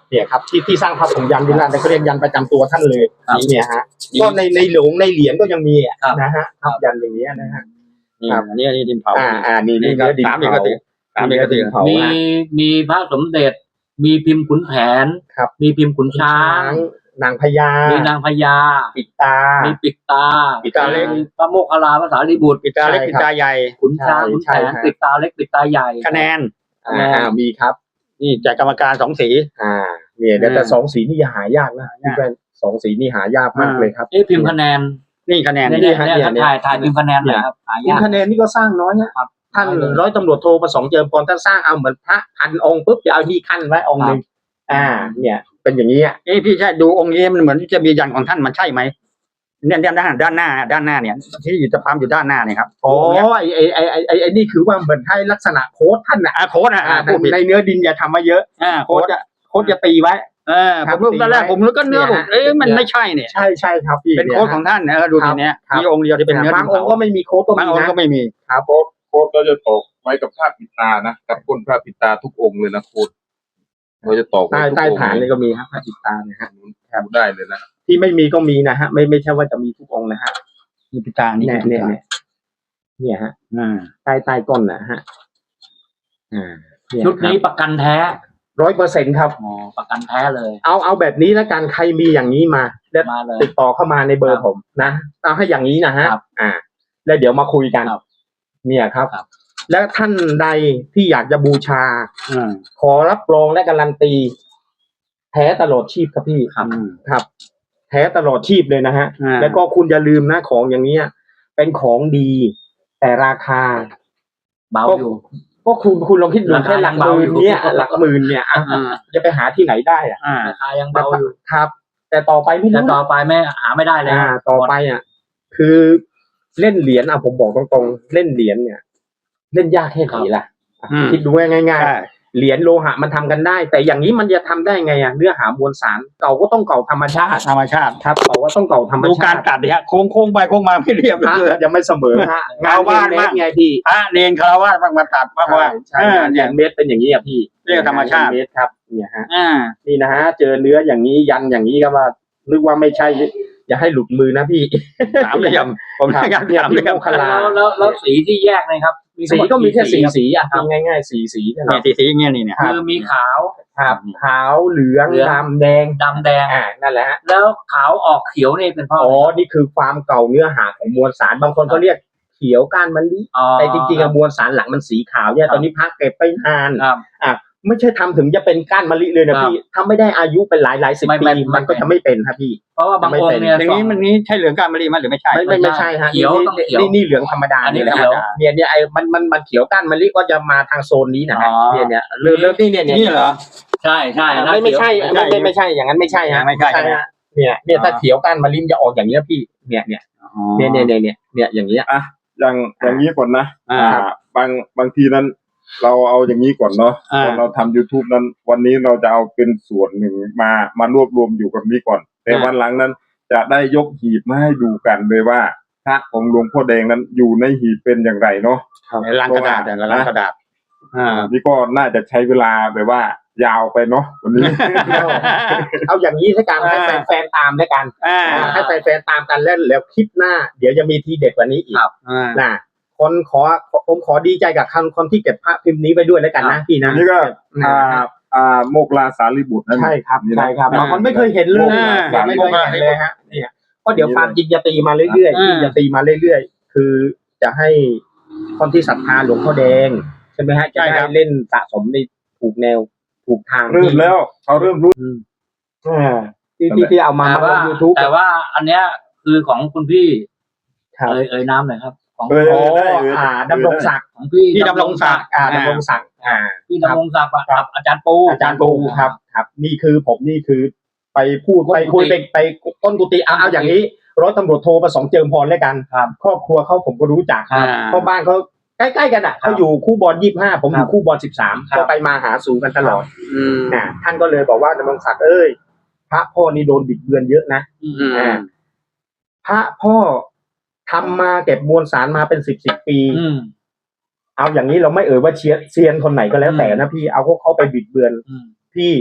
Speaker 3: เนี่ยครับที่ที่สร้างพระผงยันวิลาศเขาเรียกยันประจำตัวท่านเลย
Speaker 4: ครับ
Speaker 3: เนี่ยฮะก็ในในหลวงในเหรียญก็ยังมีอะ
Speaker 4: ครับ
Speaker 3: นะฮะครับยันอย่างเงี้ยนะฮะ
Speaker 2: นี่
Speaker 3: ครับ
Speaker 2: อันนี้อันนี้ดินเผา
Speaker 3: อ่าอ่านี่
Speaker 2: นี่
Speaker 3: นี่
Speaker 2: ก็
Speaker 3: เนื้อดิน
Speaker 2: สามเอก
Speaker 3: เผา
Speaker 2: สิทธิ์สามเอกสิทธิ์
Speaker 3: เผา
Speaker 4: มี
Speaker 3: ฮะ
Speaker 4: มีพระสมเด็จ มีพิมพ์ขุนแผน
Speaker 3: ครับ
Speaker 4: มีพิมพ์ขุนช้าง
Speaker 3: นางพญา
Speaker 4: มีนางพญา
Speaker 3: ปิดตา
Speaker 4: มีปิดตา
Speaker 3: ปิดตาเล็ก
Speaker 4: มีพระโมคคัลลาภาษาลีบุตร
Speaker 2: ปิดตาเล็ก
Speaker 3: ใช่
Speaker 2: ปิด
Speaker 3: ครับ
Speaker 2: ตาใหญ่
Speaker 4: ขุนช้างขุน
Speaker 3: ใช่
Speaker 4: แผน
Speaker 3: ใช่
Speaker 4: ปิดตาเล็กปิดตาใหญ่
Speaker 2: คะแนน
Speaker 3: อ่าอ่ามีครับ
Speaker 2: นี่จากกรรมการสองสี
Speaker 3: อ่าเนี่ยแต่
Speaker 2: อ่า
Speaker 3: แต่สองสีนี่หายากนะพี่แว่นสองสีนี่หายากมาก
Speaker 2: อ่า
Speaker 3: เลยครับ
Speaker 4: เอ๊ะพิมพ์คะแนน
Speaker 2: นี่คะแนน
Speaker 4: เนี่ย
Speaker 3: นี่
Speaker 4: เนี่ย
Speaker 3: ฮะ
Speaker 4: เนี่ย
Speaker 3: เนี่ย
Speaker 4: ถ่ายถ่ายพิมพ์คะแนนหน่อยครับหา
Speaker 3: คุณ
Speaker 4: ยาก
Speaker 3: คะแนนนี่ก็สร้างน้อยนะครับ ท่าน
Speaker 4: น้อยเลย
Speaker 3: ร้อยตำรวจโทประสงค์เจิมพรท่านสร้างเอาเหมือนพระพันองค์ปุ๊บจะเอาที่ขั้นไว้องค์หนึ่งอ่า เนี่ย เป็นอย่างนี้อ่ะ
Speaker 2: เอ้พี่ใช่ดูองค์นี้มันเหมือนจะมียันของท่านมันใช่ไหมเนี่ยด้านด้านด้านหน้าด้านหน้าเนี่ย ที่อยู่จะพามอยู่ด้านหน้าเนี่ยครับ
Speaker 3: อ๋อ
Speaker 2: องค์เนี้ย
Speaker 3: ไอไอไอไอไอไอนี่คือว่าเหมือนให้ลักษณะโค้ดท่านน่ะ
Speaker 2: อ่าโค้ดอ่ะ
Speaker 3: อ่า
Speaker 2: อ่าผู้ผิด
Speaker 3: ในเนื้อดินอย่าทำมาเยอะ
Speaker 2: อ่า
Speaker 3: โค้
Speaker 2: โค้
Speaker 3: ด
Speaker 2: ด
Speaker 3: จะโค้ดจะตีไว้
Speaker 2: เออ
Speaker 3: ค
Speaker 2: ผ
Speaker 3: รับ
Speaker 2: มรู้ตอนแรก
Speaker 3: ตีไว้
Speaker 2: ผมรู้ก็เนื้อ
Speaker 3: เนี่ย
Speaker 2: ผม
Speaker 3: ฮะ
Speaker 2: เอ๊ะมัน
Speaker 3: เนี่ย
Speaker 2: ไม่ใช่เนี่ย
Speaker 3: ใช่ใช่ครับพี่
Speaker 2: เป็นโค้ดของท่านนะดูทีเนี้ย
Speaker 3: ครับ
Speaker 2: มีองค์เดียวที่เป็นเนื้อดิ
Speaker 3: บาง
Speaker 2: น
Speaker 3: องค์ก็ไม่มีโค้ดก็
Speaker 2: บาง
Speaker 3: มี
Speaker 2: องค์
Speaker 3: นะ
Speaker 2: ก็ไม่มี
Speaker 3: ครับ
Speaker 1: โคตรโคตรเราจะตกไว้กับพระปิดตานะกับก้นพระปิดตาทุกองค์เลยนะโคตรเราจะตอกไว้
Speaker 3: ใต้
Speaker 1: ทุก
Speaker 3: ใต้
Speaker 1: องค์
Speaker 3: ฐานนี่ก็มีครับพระจิตตาเนี่ยฮะ
Speaker 1: ดูได้เลยนะ
Speaker 3: ที่ไม่มีก็มีนะฮะ ไม่ไม่ใช่ว่าจะมีทุกองค์นะฮะ
Speaker 2: มีปิดตานี่
Speaker 3: เนี่ย
Speaker 2: คือปิ
Speaker 3: เนี่ย
Speaker 2: ดตา
Speaker 3: เนี่ยเนี่ยฮะ
Speaker 2: อ่า
Speaker 3: ใต้ใต้ก้นนะฮะอ่าเย
Speaker 4: ชุดนี้ประกันแท้
Speaker 3: ร้อยเปอร์เซ็นต์ครับ
Speaker 4: อ๋อประกันแท้เลย
Speaker 3: เอาเอาแบบนี้แล้วกันใครมีอย่างนี้มาแล้ว
Speaker 4: มาเลย
Speaker 3: ติดต่อเข้ามาในเบอ
Speaker 4: ค
Speaker 3: ร์
Speaker 4: รับ
Speaker 3: ผมนะเอาให้อย่างนี้นะฮะ
Speaker 4: ครับ
Speaker 3: อ่า แล้วเดี๋ยวมาคุยกัน
Speaker 4: ครับ
Speaker 3: เนี่ยครับ
Speaker 4: ครับ
Speaker 3: แล้วท่านใดที่อยากจะบูชา
Speaker 2: อ่า
Speaker 3: ขอรับรองและการันตี แท้ตลอดชีพครับพี่
Speaker 4: ครับ
Speaker 3: ครับ แท้ตลอดชีพเลยนะฮะ
Speaker 2: อ่า
Speaker 3: แล้วก็คุณอย่าลืมนะของอย่างเนี้ย เป็นของดี แต่ราคา
Speaker 4: เบาอยู่
Speaker 3: ก็คุณคุณลองคิดดู
Speaker 4: ราคา
Speaker 3: แค่หลัก
Speaker 4: ยัง
Speaker 3: ห
Speaker 4: เบา
Speaker 3: มื่
Speaker 4: อน ยู่
Speaker 3: เนี่ยหลักหมื่นเนี่ยอ่ะ
Speaker 2: อ่า
Speaker 3: จะไปหาที่ไหนได้อ่ะ
Speaker 2: อ่า
Speaker 4: ราคายังเบาอยู่
Speaker 3: ครับ แต่ต่อไปไม่
Speaker 4: แต่
Speaker 3: รู้
Speaker 4: ต่อไปไม่หาไม่ได้เลย
Speaker 3: อ่า ต่อไปอ่ะ คือเล่นเหรียญอ่ะผมบอกตรงๆเล่นเหรียญเนี่ย เล่นยากแค่ไหนล่ะ
Speaker 2: อืม
Speaker 3: คิดดูง่ายๆ
Speaker 2: ใช่
Speaker 3: เหรียญโลหะมันทำกันได้ แต่อย่างนี้มันจะทำได้ไงอ่ะเนื้อหามวลสารเก่าก็ต้องเก่าธรรมชาติ
Speaker 2: ธรรมชาติ
Speaker 3: ครับเก่าก็ต้องเก่าธรรม
Speaker 2: ดู
Speaker 3: ชาติ
Speaker 2: การตัดเนี่ยโค้งโค้งๆไปโค้งมาไม่เรียบ
Speaker 3: พระ
Speaker 2: เลย
Speaker 3: ยังไม่เสมอฮะงาน
Speaker 2: ชาวบ้าน
Speaker 3: เม
Speaker 2: บ้าง
Speaker 3: ตรไงพี่
Speaker 2: พระเนรคารวะบางมาตัดบ้างว่า
Speaker 3: ใช่
Speaker 2: เออ
Speaker 3: ใช่
Speaker 2: เนี่
Speaker 3: งาย นเมตรเป็นอย่างนี้อ่ะพี่
Speaker 2: เรียกธรรมชาติ
Speaker 3: งนเมตรครับเนี่ยฮะ
Speaker 2: อ่า
Speaker 3: นี่นะฮะเจอเนื้ออย่างนี้ยันอย่างนี้ก็ว่านึกว่าไม่ใช่ อย่าให้หลุดมือนะพี่
Speaker 2: สามเหลี่ยมผม
Speaker 3: ครับ
Speaker 2: อยาก
Speaker 3: เนี่ย
Speaker 2: สาม
Speaker 3: พี่
Speaker 2: เหลี่ยม
Speaker 3: โมคคัลลา
Speaker 4: แล้วแล้วแล้วสีที่แยกนะครับ
Speaker 3: สีก็มีแค่สี่
Speaker 4: รับ
Speaker 3: สีอ่ะพูดง่ายๆสี่สีนะค
Speaker 2: เนี่
Speaker 3: รั
Speaker 2: ย
Speaker 3: บ
Speaker 2: สีสีอย่างเงี้ยนี่เนี่ย
Speaker 4: คือมีขาว
Speaker 3: ครับขาวเหลือง
Speaker 4: เหลือง
Speaker 3: ดำแดง
Speaker 4: ดำแดง
Speaker 3: อ่านั่นแหละฮะ
Speaker 4: แล้วขาวออกเขียวนี่เป็นเพราะ
Speaker 3: อ๋อนี่คือความเก่าเนื้อหาของมวลสารบางคนก็เรียกเขียวก้านมะลิ
Speaker 4: อ๋อ
Speaker 3: แต่จริงๆอะมวลสารหลังมันสีขาวเนี่ยตอนนี้พักเก็บไปนาน
Speaker 4: ครับ
Speaker 3: อ่ะไม่ใช่ทำถึงจะเป็นก้านมะลิเลยนะครับ พี่ถ้าไม่ได้อายุเป็นหลายหลายๆสิบ
Speaker 4: ไม่
Speaker 3: ปี
Speaker 4: ไม่ไม่
Speaker 3: มันก็จะไม่เป็นครับพี่
Speaker 4: เพราะว่าบางองค์เนี่ย
Speaker 2: อย่างนี้มันนี้ใช่เหลืองการมะลิมั้ยหรือไม่ใช่
Speaker 3: ไม่ไม่ไม่ใช่ฮะ
Speaker 4: เขียว
Speaker 3: นี่
Speaker 4: ต้องเขียว
Speaker 3: นี่นี่เหลืองธรรมดา
Speaker 4: อันนี้
Speaker 3: นี่แหละ
Speaker 4: เขียว
Speaker 3: เนี่ยเนี่ยไอ้มันมันมันเขียวก้านมะลิก็จะมาทางโซนนี้นะฮะ
Speaker 2: อ๋อ
Speaker 3: เนี่ยเนี่ยเริ่มเริ่มนี่เนี่ยเนี่ย
Speaker 2: นี่เหรอ
Speaker 4: ใช่ใช่
Speaker 3: ไม่ไม่ใช่
Speaker 2: ไม่
Speaker 3: ไม่
Speaker 2: ใช่
Speaker 3: ไม่ไม่ใช่อย่างนั้นไม่ใช่ฮะ
Speaker 2: ไม่ใช่
Speaker 3: ฮะเนี่ยเนี่ยถ้า
Speaker 2: อ๋อ
Speaker 3: เขียวก้านมะลิมันจะออกอย่างเงี้ยพี่เนี่ยเนี่ยเนี่ยเนี่ยเนี่ยเนี่ยเนี่ยอย่างเงี้ย
Speaker 1: อย่างอย่างนี้ก่อนนะ
Speaker 2: อ่า
Speaker 1: อ่าบางบางทีนั้น เราเอาอย่างนี้ก่อนเนาะ
Speaker 2: อ่า
Speaker 1: ตอนเราทำ YouTube นั้น วันนี้เราจะเอาเป็นส่วนหนึ่งมามารวบรวมอยู่กับนี้ก่อน แต่
Speaker 2: อ่า
Speaker 1: วันหลังนั้น จะได้ยกหีบมาให้ดูกันเลยว่าพระของหลวงพ่อแดงนั้นอยู่ในหีบเป็นอย่างไรเนาะ
Speaker 2: ในลังกระดาษเนี่ยลังกระดาษอ่า
Speaker 1: นี่ก็น่าจะใช้เวลาแบบว่า ยาวไปเนาะวันนี้
Speaker 3: เอาอย่างนี้ให้การให้
Speaker 2: อ่า
Speaker 3: แฟนๆตามแล้วกัน
Speaker 2: อ่า
Speaker 3: อ่าให้แฟนๆตามกันแล้วแล้วคลิปหน้า เดี๋ยวจะมีทีเด็ดกว่านี้อีก
Speaker 2: อ่า
Speaker 3: นะคนขอผมขอดีใจกับคนคนที่เก็บพระพิมพ์นี้ไว้ด้วยแล้วกันนะพี่นะ
Speaker 1: นี่ก็
Speaker 3: อ่า
Speaker 1: อ่าอ่าโมกลาสารีบุตรนั่น
Speaker 3: ใช่ครับ
Speaker 1: นี่นะ
Speaker 3: ใช่ครับ
Speaker 2: อ่า
Speaker 3: บางคนไม่เคยเห็นเลย
Speaker 2: อ่า
Speaker 3: ยังไม่เคยเห็นเลยฮะเนี่ยเพราะเดี๋ยวความจริงจะตีมาเรื่อยๆ
Speaker 2: อ่า
Speaker 3: ที่จะตีมาเรื่อยๆคือจะให้คนที่ศรัทธาหลวงพ่อแดงใช่ไหมฮะจะได้เล่นสะสมในถูกแนวถูกทาง
Speaker 1: เริ่มแล้วเขาเริ่มรู้
Speaker 3: อ่าที่ที่ที่เอามา
Speaker 4: แต่
Speaker 3: มาล
Speaker 4: ว่าง
Speaker 3: ยูทูบ
Speaker 4: แต่ว่าอันเนี้ยคือของคุณพี่
Speaker 3: ครับ
Speaker 4: เอ่ยเอ่ยน้ำหน่อยครับ ของ
Speaker 1: เออ
Speaker 3: อ๋อ
Speaker 1: ได้เออ
Speaker 3: อ่าดำรงศักดิ์
Speaker 4: ของพี่
Speaker 2: พี่ดำรงศักดิ์
Speaker 3: อ่าดำรงศักดิ์อ่า
Speaker 4: พี่ดำรงศักดิ์กับอาจารย์ปู
Speaker 3: อาจารย์ปูครับครับ นี่คือผมนี่คือ ไปพูด
Speaker 4: ก้น
Speaker 3: ไปคุย
Speaker 4: กุฏิ
Speaker 3: ไปไปต้นกุฏิเอาเอาอย่างนี้ร้อยตำรวจโทประสงค์เจิมพรแล้วกัน
Speaker 4: ครับ
Speaker 3: ครอบครัวเขาผมก็รู้จัก
Speaker 4: ครับ
Speaker 3: เพราะบ้านเขาใกล้ๆกันอ่ะเขาอยู่คู่บอลยี่สิบห้าผมอ
Speaker 4: ครั
Speaker 3: ยู่
Speaker 4: บ
Speaker 3: คู่บอลสิบสาม
Speaker 4: ครับ
Speaker 3: ก็ไปมาหาสู่กันตลอด
Speaker 2: อืม
Speaker 3: นะท่านก็เลยบอกว่าดำรงศักดิ์เอ้ยพระพ่อนี่โดนบิดเบือนเยอะนะ
Speaker 4: อืม
Speaker 2: อืม
Speaker 3: อ่าพระพ่อทำมาเก็บมวลสารมาเป็นสิบสิบปี
Speaker 4: อืม
Speaker 3: เอาอย่างนี้เราไม่เอ่ยว่าเชียเซียนคนไหนก็แล้วแต่นะพี่เอาพวกเขาไปบิดเบือน
Speaker 4: อืม
Speaker 3: พี่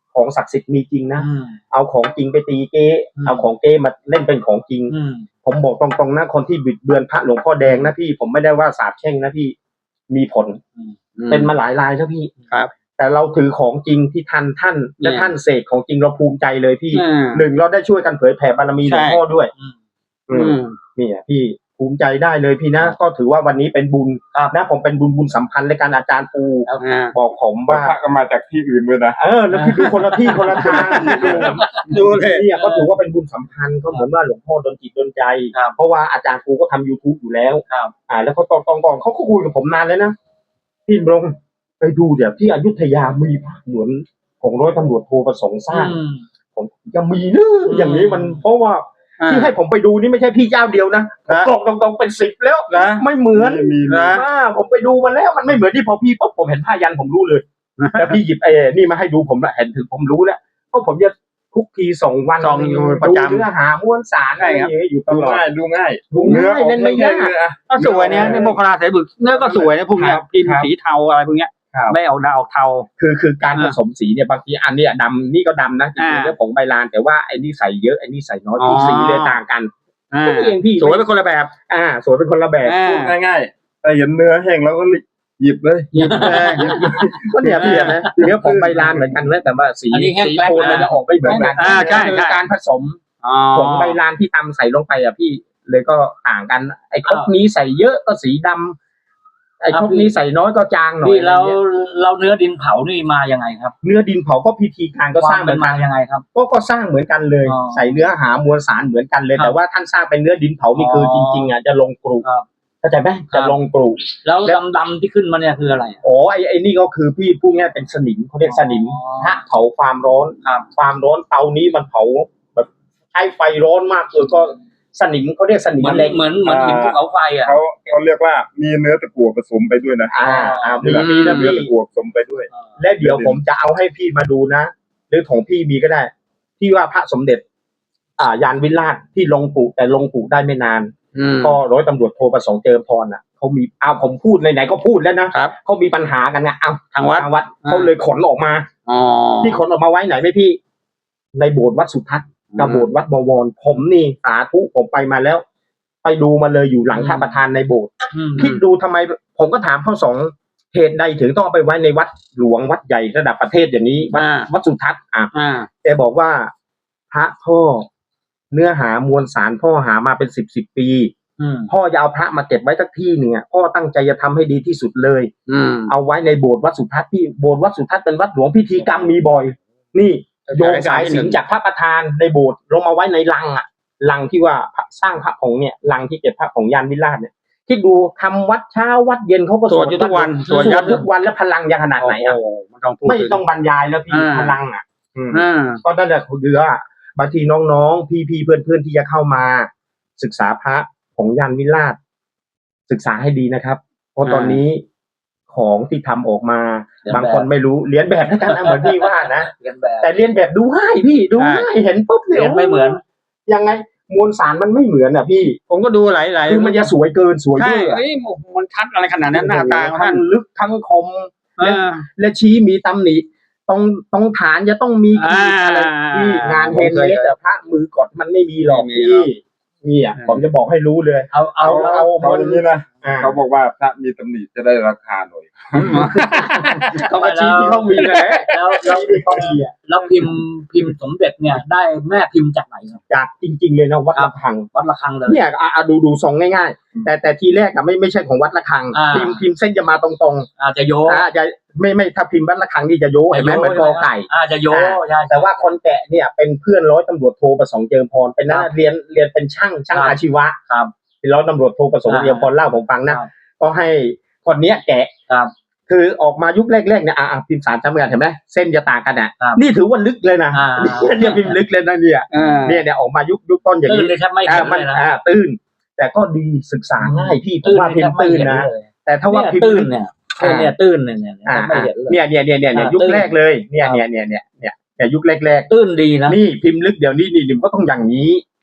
Speaker 3: ของศักดิ์สิทธิ์มีจริงนะ
Speaker 4: อืม
Speaker 3: เอาของจริงไปตีเก๊
Speaker 4: อืม
Speaker 3: เอาของเก๊มาเล่นเป็นของจริง
Speaker 4: อืม
Speaker 3: ผมบอกตรงๆนะคนที่บิดเบือนพระหลวงพ่อแดงนะพี่ผมไม่ได้ว่าสาปแช่งนะพี่มีผลเป็นมาหลายรายแล้วพี่
Speaker 2: ครับ
Speaker 3: แต่เราถือของจริงที่ท่านท่านและ
Speaker 2: เนี่ย
Speaker 3: ท่านเสกของจริงเราภูมิใจเลยพี่
Speaker 2: อืม
Speaker 3: หนึ่งเราได้ช่วยกันเผยแผ่บารมีหลวงพ่อด้วย
Speaker 4: อืม
Speaker 3: อื
Speaker 2: อื
Speaker 3: ม
Speaker 2: ม
Speaker 3: เนี่ยพี่ภูมิใจได้เลยพี่นะก็ถือว่าวันนี้เป็นบุญ
Speaker 4: ครับ
Speaker 3: นะผมเป็นบุญบุญสัมพันธ์ในการอาจารย์ปู
Speaker 2: อ่า
Speaker 3: บอกผม
Speaker 1: ว่า
Speaker 3: ว่า
Speaker 1: พระก็มาจากที่อื่นด้วยนะ
Speaker 3: เออแล้วพี่ดูคนละที่คนละทางดู
Speaker 2: ดูเลย
Speaker 3: เนี่ยก็ถือว่าเป็นบุญสัมพันธ์ก็เหมือนว่าหลวงพ่อดลจิตดลใจ
Speaker 4: ครับ
Speaker 3: เพราะว่าอาจารย์ปูก็ทำ YouTube อยู่แล้ว
Speaker 4: ครับ
Speaker 3: อ่า แล้วเขาตอนตอนก่อนเขาก็คุยกับผมนานแล้วนะพี่บงไปดูเดี๋ยวที่อยุธยามีพระเหมือนของร้อยตำรวจโทประสงค์สร้าง
Speaker 4: อืม
Speaker 3: ผมจะมีเนอะอย่างนี้มันเพราะว่า
Speaker 2: อ่า
Speaker 3: ที่ให้ผมไปดูนี่ไม่ใช่พี่เจ้าเดียวนะ
Speaker 2: นะ
Speaker 3: บอกตรงๆเป็นสิบแล้ว
Speaker 2: นะ
Speaker 3: ไม่เหมือน
Speaker 1: มีมี
Speaker 2: นะ
Speaker 3: อ่าผมไปดูมาแล้วมันไม่เหมือนที่พอพี่ปุ๊บผมเห็นผ้ายันผมรู้เลย แล้วพี่หยิบไอ้นี่มาให้ดูผมละเห็นถึงผมรู้แล้วเพราะผมจะทุกทีส่งวัน
Speaker 2: ส่องอยู่ประ
Speaker 3: ดู
Speaker 2: จำ
Speaker 3: เนื้อหามวลสารอะไรอย่างเงี้ยอยู่ต
Speaker 1: ดู
Speaker 3: ลอด
Speaker 1: ง่ายดูง่าย
Speaker 3: ดูง่ายเล่นไม่ยาก
Speaker 1: เนื้อ
Speaker 2: ก็สวยเนี่ยในโมคลาสายบึกเนื้อก็สวยนะพวกเนี้ย
Speaker 3: ครับ
Speaker 2: พิมพ์
Speaker 3: ครับ
Speaker 2: สีเทาอะไรพวกเนี้ย
Speaker 3: ครับ
Speaker 2: ไม่เอาดาวเทา
Speaker 3: คือคือการผ
Speaker 2: อ่า
Speaker 3: สมสีเนี่ยบางทีอันเนี้ยดำนี่ก็ดำนะจริงๆ
Speaker 2: อ่า
Speaker 3: แล้วผงใบลานแต่ว่าไอ้นี่ใส่เยอะไอ้นี่ใส่น้อย
Speaker 2: อ๋อ
Speaker 3: คือสีเลยต่างกัน
Speaker 2: อ่า
Speaker 3: แค่นี้เองพี่
Speaker 2: สวยเป็นคนละแบบ
Speaker 3: อ่าสวยเป็นคนละแบบ
Speaker 2: อ่า
Speaker 1: พูดง่ายๆแต่เห็นเนื้อแห้งแล้วก็หยิบเลย
Speaker 2: หยิบแดง
Speaker 3: ก็เนี่ยพี่เห็นไหมเนื้อผงใบลานเหมือนกันเลยแต่ว่าสี
Speaker 4: อันนี้แห้ง
Speaker 3: สี
Speaker 4: แกลก
Speaker 3: โทนมันจะออกไม่เหมือนกัน
Speaker 2: อ่าใช่
Speaker 3: คือ
Speaker 2: ใช่
Speaker 3: การผสม
Speaker 2: อ๋อ
Speaker 3: ผงใบลานที่ตำใส่ลงไปอ่ะพี่เลยก็ต่างกันไอ้ครกนี้ใส่เยอะก็สีดำไอ้ครกนี้ใส่น้อยก็จางหน่อย
Speaker 4: พี่เรา
Speaker 3: อะไรเงี้ย
Speaker 4: เราเนื้อดินเผานี่มายังไงครับ
Speaker 3: เนื้อดินเผาก็พิธีการก็สร้าง
Speaker 4: คว
Speaker 3: เหมื
Speaker 4: เป็
Speaker 3: อน น
Speaker 4: มา
Speaker 3: กัน
Speaker 4: ยังไงครับ
Speaker 3: ก็ก็สร้างเหมือนกันเลย
Speaker 4: อ๋อ
Speaker 3: ใส่เนื้อหามวลสารเหมือนกันเลย
Speaker 4: ครับ
Speaker 3: แต่ว่าท่านสร้างเป็นเนื้อดินเผานี่คือ
Speaker 4: อ๋อ
Speaker 3: จริงๆอ่ะจะลงกรุ
Speaker 4: ครับ
Speaker 3: เข้าใจไหม
Speaker 4: ครั
Speaker 3: จะ
Speaker 4: บ
Speaker 3: ลงกรุ
Speaker 4: แล้วดำๆที่ขึ้นมาเนี่ยคืออะไร
Speaker 3: อ๋อไอ้ไอ้นี่ก็คือพี่พูดง่ายเป็นสนิมเขาเรียกสนิม
Speaker 4: อ๋อ
Speaker 3: ถ้าเผาความร้อน
Speaker 4: ครับ
Speaker 3: ความร้อนเตานี้มันเผาแบบใช้ไฟร้อนมากเลยก็สนิมเขาเรียกสนิม
Speaker 4: เหมือน
Speaker 3: เหล็ก
Speaker 4: เหมือนเหมือนหินภูเขาไฟอ่ะ
Speaker 1: เขาเขาเรียกว่ามีเนื้อตะกั่วผสมไปด้วยนะ
Speaker 3: อ่าอ่ามี
Speaker 1: มี
Speaker 3: มีนะ
Speaker 1: เนื้อ
Speaker 3: พี่
Speaker 1: ตะกั่วผสมไปด้วย
Speaker 3: และเดี๋ยวผมจะเอาให้พี่มาดูนะหรือของพี่มีก็ได้ ที่ว่าพระสมเด็จ อ่ายานวิราชที่ลงปู่แต่ลงปู่ได้ไม่นาน
Speaker 2: อืม
Speaker 3: ก็ร้อยตำรวจโทประสงค์เจิมพรอ่ะเขามีอ้าวผมพูดไหนๆก็พูดแล้วนะครับ เขามีปัญหากันไงอ้าว
Speaker 2: ทางวัด
Speaker 3: ทางวัด
Speaker 2: อ่า
Speaker 3: เขาเลยขนออกมา
Speaker 2: อ๋อ
Speaker 3: ที่ขนออกมาไว้ไหนไหมพี่ ในโบสถ์วัดสุทัศน์กับโบสถ์วัดบวรผมนี่สาธุผมไปมาแล้ว ไปดูมาเลยอยู่หลังพระประธานในโบสถ์
Speaker 4: อืม
Speaker 3: คิดดูทำไม ผมก็ถามข้อสองเหตุใดถึงต้องเอาไปไว้ในวัดหลวงวัดใหญ่ระดับประเทศอย่างนี้วัด
Speaker 2: อ่า
Speaker 3: วัดสุทัศน์อ่ะ
Speaker 2: อ่า
Speaker 3: แกบอกว่าพระพ่อเนื้อหามวลสารพ่อหามาเป็นสิบสิบปี
Speaker 4: อืม
Speaker 3: พ่อจะเอาพระมาเก็บไว้สักที่หนึ่งอ่ะพ่อตั้งใจจะทำให้ดีที่สุดเลย
Speaker 2: อืม
Speaker 3: เอาไว้ในโบสถ์วัดสุทัศน์ที่โบสถ์วัดสุทัศน์เป็นวัดหลวงพิธีกรรมมีบ่อย นี่โยงสายสิญจน์จากพระประธานในโบสถ์ลงมาไว้ในลังอ่ะลังที่ว่าพระสร้างพระผงเนี่ยลังที่เก็บพระผงยานวิราชเนี่ยที่ดูทำวัดเช้าวัดเย็นเขาก็
Speaker 2: สวดอยู่ทุกวัน
Speaker 3: สวดยันทุกวันแล้วพลังยังขนาดไหนอ่ะ
Speaker 2: โอ้โหมันต้องพูด
Speaker 3: ไม่
Speaker 2: ถึง
Speaker 3: ต้องบรรยายแล้วพี่
Speaker 2: อ่า
Speaker 3: พลังอ่ะ อืม
Speaker 2: อ่า
Speaker 3: ก็นั่นแหละคือว่าบางทีน้องๆ พี่ๆเพื่อนๆที่จะเข้ามา ศึกษาพระของยานวิราช ศึกษาให้ดีนะครับ เพราะตอนนี้ของที่ทำออกมา
Speaker 4: เรียนแบบ
Speaker 3: บางคนไม่รู้เรียนแบบแล้วกันนะเหมือนพี่ว่านะ
Speaker 4: เรียนแบบ
Speaker 3: แต่เรียนแบบดูง่ายพี่ดูง่ายเห็นปุ๊บ
Speaker 4: เรียนไม่เหมือน
Speaker 3: ยังไงมวลสารมันไม่เหมือนอ่ะพี่
Speaker 2: ผมก็ดูหลายหลาย
Speaker 3: คือมันจะสวยเกินสวย
Speaker 2: ใช่
Speaker 3: เยอะ
Speaker 2: เอ้ยมันชัดอะไรขนาดนั้นหน้าตาของ
Speaker 3: ทั้
Speaker 2: ท่าน
Speaker 3: งลึกทั้งคม
Speaker 2: เออ
Speaker 3: และชี้มีตำหนิตรงตรงฐานจะต้องมีขีด
Speaker 2: อ่า
Speaker 3: อะไรที่งาน
Speaker 2: ผม
Speaker 3: เฮน
Speaker 2: เคย
Speaker 3: เมดแต่พระมือกดมันไม่มีหรอก
Speaker 2: ไม่มี
Speaker 3: พี่
Speaker 2: หรอก
Speaker 3: นี่อ่ะ
Speaker 2: อืม
Speaker 3: ผมจะบอกให้รู้เลย
Speaker 4: เอาเอา
Speaker 3: เอาเอา
Speaker 1: เขาอย่างนี้นะ
Speaker 3: อ่า
Speaker 1: เขาบอกว่าพระมีตำหนิจะได้ราคาหน่อย
Speaker 3: เขามาชี้ที่เขามีเลย
Speaker 4: แล้วแล้ว
Speaker 3: ชี้ที่เขามีอ่ะ
Speaker 4: แล้วพิมพ์พิมพ์สมเด็จเนี่ย ได้แม่พิมพ์จากไหนครับ
Speaker 3: จากจริง ๆ เลยนะวัดระฆัง
Speaker 4: วัดระฆังเลย
Speaker 3: เนี่ยอ่ะอ่ะดูดูทรงง่ายๆ แต่แต่ทีแรกอ่ะไม่ไม่ใช่ของวัดระฆัง
Speaker 4: อ่า
Speaker 3: พิมพ์พิมพ์เส้นจะมาตรง
Speaker 4: อาจจะโย
Speaker 3: ๆอ่าจะไม่ไม่ถ้าพิมพ์วัดระฆังนี่จะโยเห็นไหมเหมือนกอไก่
Speaker 4: อาจจะโย
Speaker 3: อ่า
Speaker 4: ใช่
Speaker 3: แต่ว่าคนแกะเนี่ยเป็นเพื่อนร้อยตำรวจโทประสงค์เจิมพรเป็นนัก
Speaker 4: ครับ
Speaker 3: เรียนเรียนเป็นช่างช่าง
Speaker 4: ครับ
Speaker 3: อาชีวะ
Speaker 4: ครับ
Speaker 3: เป็นร้อยตำรวจโทประสงค์
Speaker 4: อ่า
Speaker 3: เจิมพรเล่าผมฟังนะครับ ก็ให้คนเนี้ยแกะ
Speaker 4: ครับ
Speaker 3: คือออกมายุคแรกๆเนี่ยอ่ะอ่ะพิมพ์สารจำกันเห็นไหมเส้นจะต่างกันอ่ะ
Speaker 4: ครับ
Speaker 3: นี่ถือว่าลึกเลยนะ
Speaker 4: อ่า
Speaker 3: เนี่ยเนี่ยพิมพ์ลึกเลยนะเนี่ย
Speaker 2: อ่า
Speaker 3: เนี่ยเนี่ยออกมายุคยุคต้นอย่าง
Speaker 4: ตื้น
Speaker 3: นี้
Speaker 4: เลยแทบไม่
Speaker 3: อ่า
Speaker 4: เห็น
Speaker 3: มั
Speaker 4: เลยนะ
Speaker 3: อ่าตื้น แต่ก็ดีศึกษาง่ายพี่ผม
Speaker 4: ตื้น
Speaker 3: ว่า
Speaker 4: เลย
Speaker 3: พิ
Speaker 4: แท
Speaker 3: ม
Speaker 4: บ
Speaker 3: พ์
Speaker 4: ไม่
Speaker 3: ตื้น
Speaker 4: เห็น
Speaker 3: นะ
Speaker 4: เลย
Speaker 3: แต่ถ้าว่า
Speaker 4: เนี่ย
Speaker 3: พิมพ์
Speaker 4: ตื้น
Speaker 3: ลึก
Speaker 4: เนี่ย
Speaker 3: อ่า
Speaker 4: เนี่ยตื้นเนี่ยเนี่ย
Speaker 3: อ่า
Speaker 4: แทบไม่เห็นเลย
Speaker 3: เนี่ยเนี่ยเนี่ยเนี่ยเนี่ย
Speaker 4: อ่า
Speaker 3: ยุค
Speaker 4: ตื้น
Speaker 3: แรกเลยเนี่ย
Speaker 4: ครับ
Speaker 3: เนี่ยเนี่ยเนี่ยเนี่ยเนี่ยยุคแรก
Speaker 4: ตื้นดีนะ
Speaker 3: ๆนี่พิมพ์ลึกเดี๋ยวนี้นี่มันก็ต้องอย่างนี้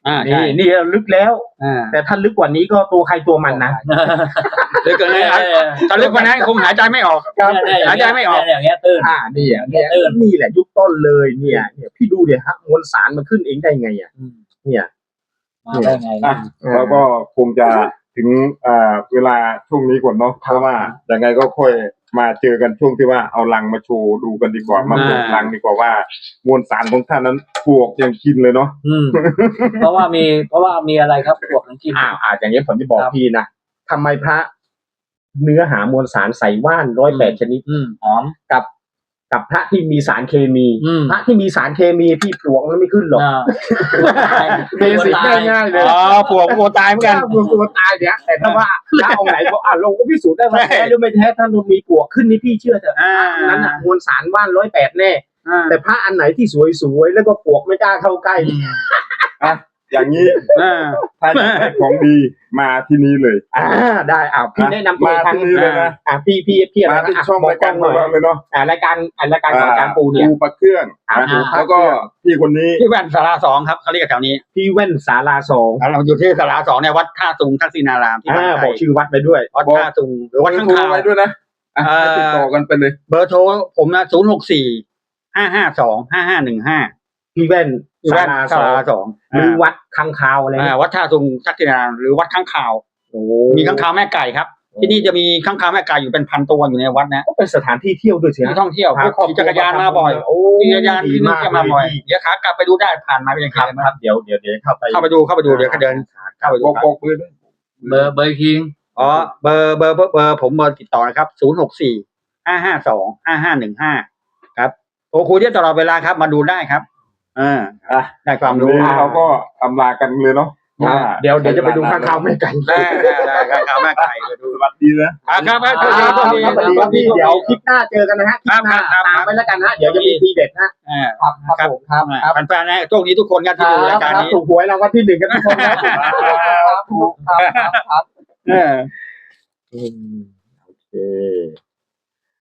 Speaker 2: อ่าใช่
Speaker 3: นี่นี่ลึกแล้ว
Speaker 2: อ่า
Speaker 3: แต่ถ้าลึกกว่านี้ก็ตัวใครตัวมันนะ
Speaker 2: หรือเกิดอะไรถ้าลึกกว่านั้นคงหายใจไม่ออก
Speaker 3: ครับ
Speaker 2: หายใจไม่ออก
Speaker 4: อย่างเงี้ยตื้น
Speaker 3: อ่านี่อ่ะเนี่ย
Speaker 4: เออ
Speaker 3: นี่แหละยุคต้นเลยเนี่ยเนี่ยพี่ดูเดี๋ยวฮะมวลสารมันขึ้นเองได้ไงอ่ะเนี่ย
Speaker 4: มาได้ไง
Speaker 1: อ่ะ
Speaker 4: นะ
Speaker 1: เราก็คงจะถึงอ่าเวลาช่วงนี้ก่อนเนาะเพราะว่ายังไงก็ค่อยมาเจอกันช่วงที่ว่าเอาลังมาโชว์ดูกันดีกว่ามาเปิดลังดีกว่าว่ามวลสารของท่านนั้นปลวกยังกินเลยเนาะ
Speaker 4: อืมเพราะว่ามีเพราะว่ามีอะไรครับพวกนั้นกิน
Speaker 3: อ่าอ่าอย่างนี้ผมจะบอก
Speaker 4: ครับ
Speaker 3: พี่นะทำไมพระเนื้อหามวลสารใส่ว่านร้อยแปดชนิด
Speaker 4: อืมหอม
Speaker 3: กับ กับพระที่มีสารเคมี
Speaker 4: อืม
Speaker 3: พระที่มีสารเคมีพี่ปลวกมันไม่ขึ้นหรอก
Speaker 4: อ่า
Speaker 3: เบสิกง่ายๆเลย
Speaker 2: อ๋อปวกปวกตายเหมือนกัน
Speaker 3: ปลวกตัวตายเนี่ยแต่ถ้าว่าพระองค์ไหนบอกอ่ะเราก็พิสูจน์ได้ว่าแท้หรือไม่แท้ท่านมีปลวกขึ้นนี่พี่เชื่อเถอะ
Speaker 2: อ่า
Speaker 3: พระนั้นอ่ะมวลสารว่านร้อยแปดแน่
Speaker 2: อ่า
Speaker 3: แต่พระอันไหนที่สวยๆแล้วก็ปลวกไม่กล้าเข้าใกล้
Speaker 1: อ่ะอย่างนี้
Speaker 2: อ่า
Speaker 1: ถ้าอยากได้ของดีมาที่นี้เลย
Speaker 3: อ่าได้อ่าพี่แนะนำตัว
Speaker 1: มา
Speaker 3: ทาง
Speaker 1: ที่นี้เลยนะ
Speaker 3: อ่าพี่พี่พี่อะไร
Speaker 1: มาที่
Speaker 3: นะ
Speaker 1: ช่องรายการของเราเลยเนาะ
Speaker 3: อ่ารายการอ่ารายการของอาจารย์ปูเนี่ย
Speaker 1: ปูปลาเครื่อง
Speaker 3: อ่า
Speaker 1: นะ
Speaker 3: ปูปลา
Speaker 1: แล้วก็พี่คนนี้
Speaker 2: ที่แว่นสาราสองครับเขาเรียกแถวนี้
Speaker 3: พี่แว่นศาลาสอง
Speaker 2: เราอยู่ที่สาราสองในวัดท่าตุงทักษิณารามที่บาง
Speaker 3: อ่า
Speaker 2: ไท
Speaker 3: บอก
Speaker 2: ร
Speaker 3: ชื่อวัดไปด้วย
Speaker 2: วัดท่าตุงหรือวัดข้าง
Speaker 1: โทร
Speaker 2: คาว
Speaker 1: ไว้ด้วยนะอ่ะ
Speaker 2: เอ่อ
Speaker 1: ให้ติดต่อกันไปเลย
Speaker 2: เบอร์โทรผมนะศูนย์หกสี่ห้าห้าสองห้าห้าหนึ่งห้า
Speaker 3: พี่แว่น
Speaker 2: ที่
Speaker 3: ศา
Speaker 2: แว่น
Speaker 3: ลา
Speaker 2: สา
Speaker 3: สอง
Speaker 2: ราสอง
Speaker 3: หรือวัดคังคาวอะไร
Speaker 2: อ่า
Speaker 3: เนี่ย
Speaker 2: วัดท่าตุงทักษิณารามหรือวัดข้างคาว
Speaker 3: โอ้
Speaker 2: มีข้างคาวแม่ไก่ครับ ที่นี่จะมีข้างคาวแม่ไก่อยู่เป็นพันตัวอยู่ในวัดนะ
Speaker 3: ก็เป็นสถานที่เที่ยวด้วยสิ
Speaker 2: ที่
Speaker 3: ฮะ
Speaker 2: ท่องเที่ยวพวกขี่จักรยานมาบ่อย
Speaker 3: โอ้
Speaker 2: ขี่จักรยานที่นี่จะมาบ่อย
Speaker 3: ดี
Speaker 2: เดี๋ยวขากลับไปดูได้ผ่านมาเป็นยัง
Speaker 3: ครับ
Speaker 2: ไง
Speaker 3: ครับเดี๋ยวเดี๋ยวเดี๋ยวเข้าไป
Speaker 2: เข้าไปดูเข้าไปดูเดี๋ยวก็เดินเข้าไปดู
Speaker 1: บอก
Speaker 2: ครับ
Speaker 1: บอกเลยด้วย
Speaker 4: เบอร์เบอร์คิง
Speaker 2: อ๋อเบอร์เบอร์เบอร์เบอร์ผมเบอร์ติดต่อนะครับศูนย์หกสี่ห้าห้าสองห้าห้าหนึ่งห้าครับโทรคุยได้ตลอดเวลาครับ มาดูได้ครับอ่า
Speaker 1: อ่ะ
Speaker 2: ได้ความ
Speaker 1: วัน
Speaker 2: รู้
Speaker 1: นี้เราก็อำลากันเลยเนาะ
Speaker 3: อ่าเดี๋ยวเดี๋ยวจะไปดูข้างคาวไม่ไกล
Speaker 2: ได้ได้ได้ข้างคาวแม่ไก่ไปดู
Speaker 1: สวัสดีนะ
Speaker 2: อ่าครับครับ
Speaker 3: ครับครับ
Speaker 2: ส
Speaker 3: ค
Speaker 2: วั
Speaker 3: รับ
Speaker 2: สดี
Speaker 3: ครับ
Speaker 2: สวัสดี
Speaker 3: เดี๋ยวคลิปหน้าเจอกันนะฮะคลิปหน้า
Speaker 2: ครับครับ
Speaker 3: ตามไปแล้วกันฮะเดี๋ยวจะมีทีเด็ดฮะ
Speaker 2: อ่า
Speaker 3: ครับครับผมครับครับ
Speaker 2: แฟนๆนะโชคดีทุกคนครับที่ดูรายการนี้
Speaker 3: ถูกหวยรางวัลที่หนึ่งกันทุกคนครับครับครับครับ
Speaker 2: เออ
Speaker 3: อืม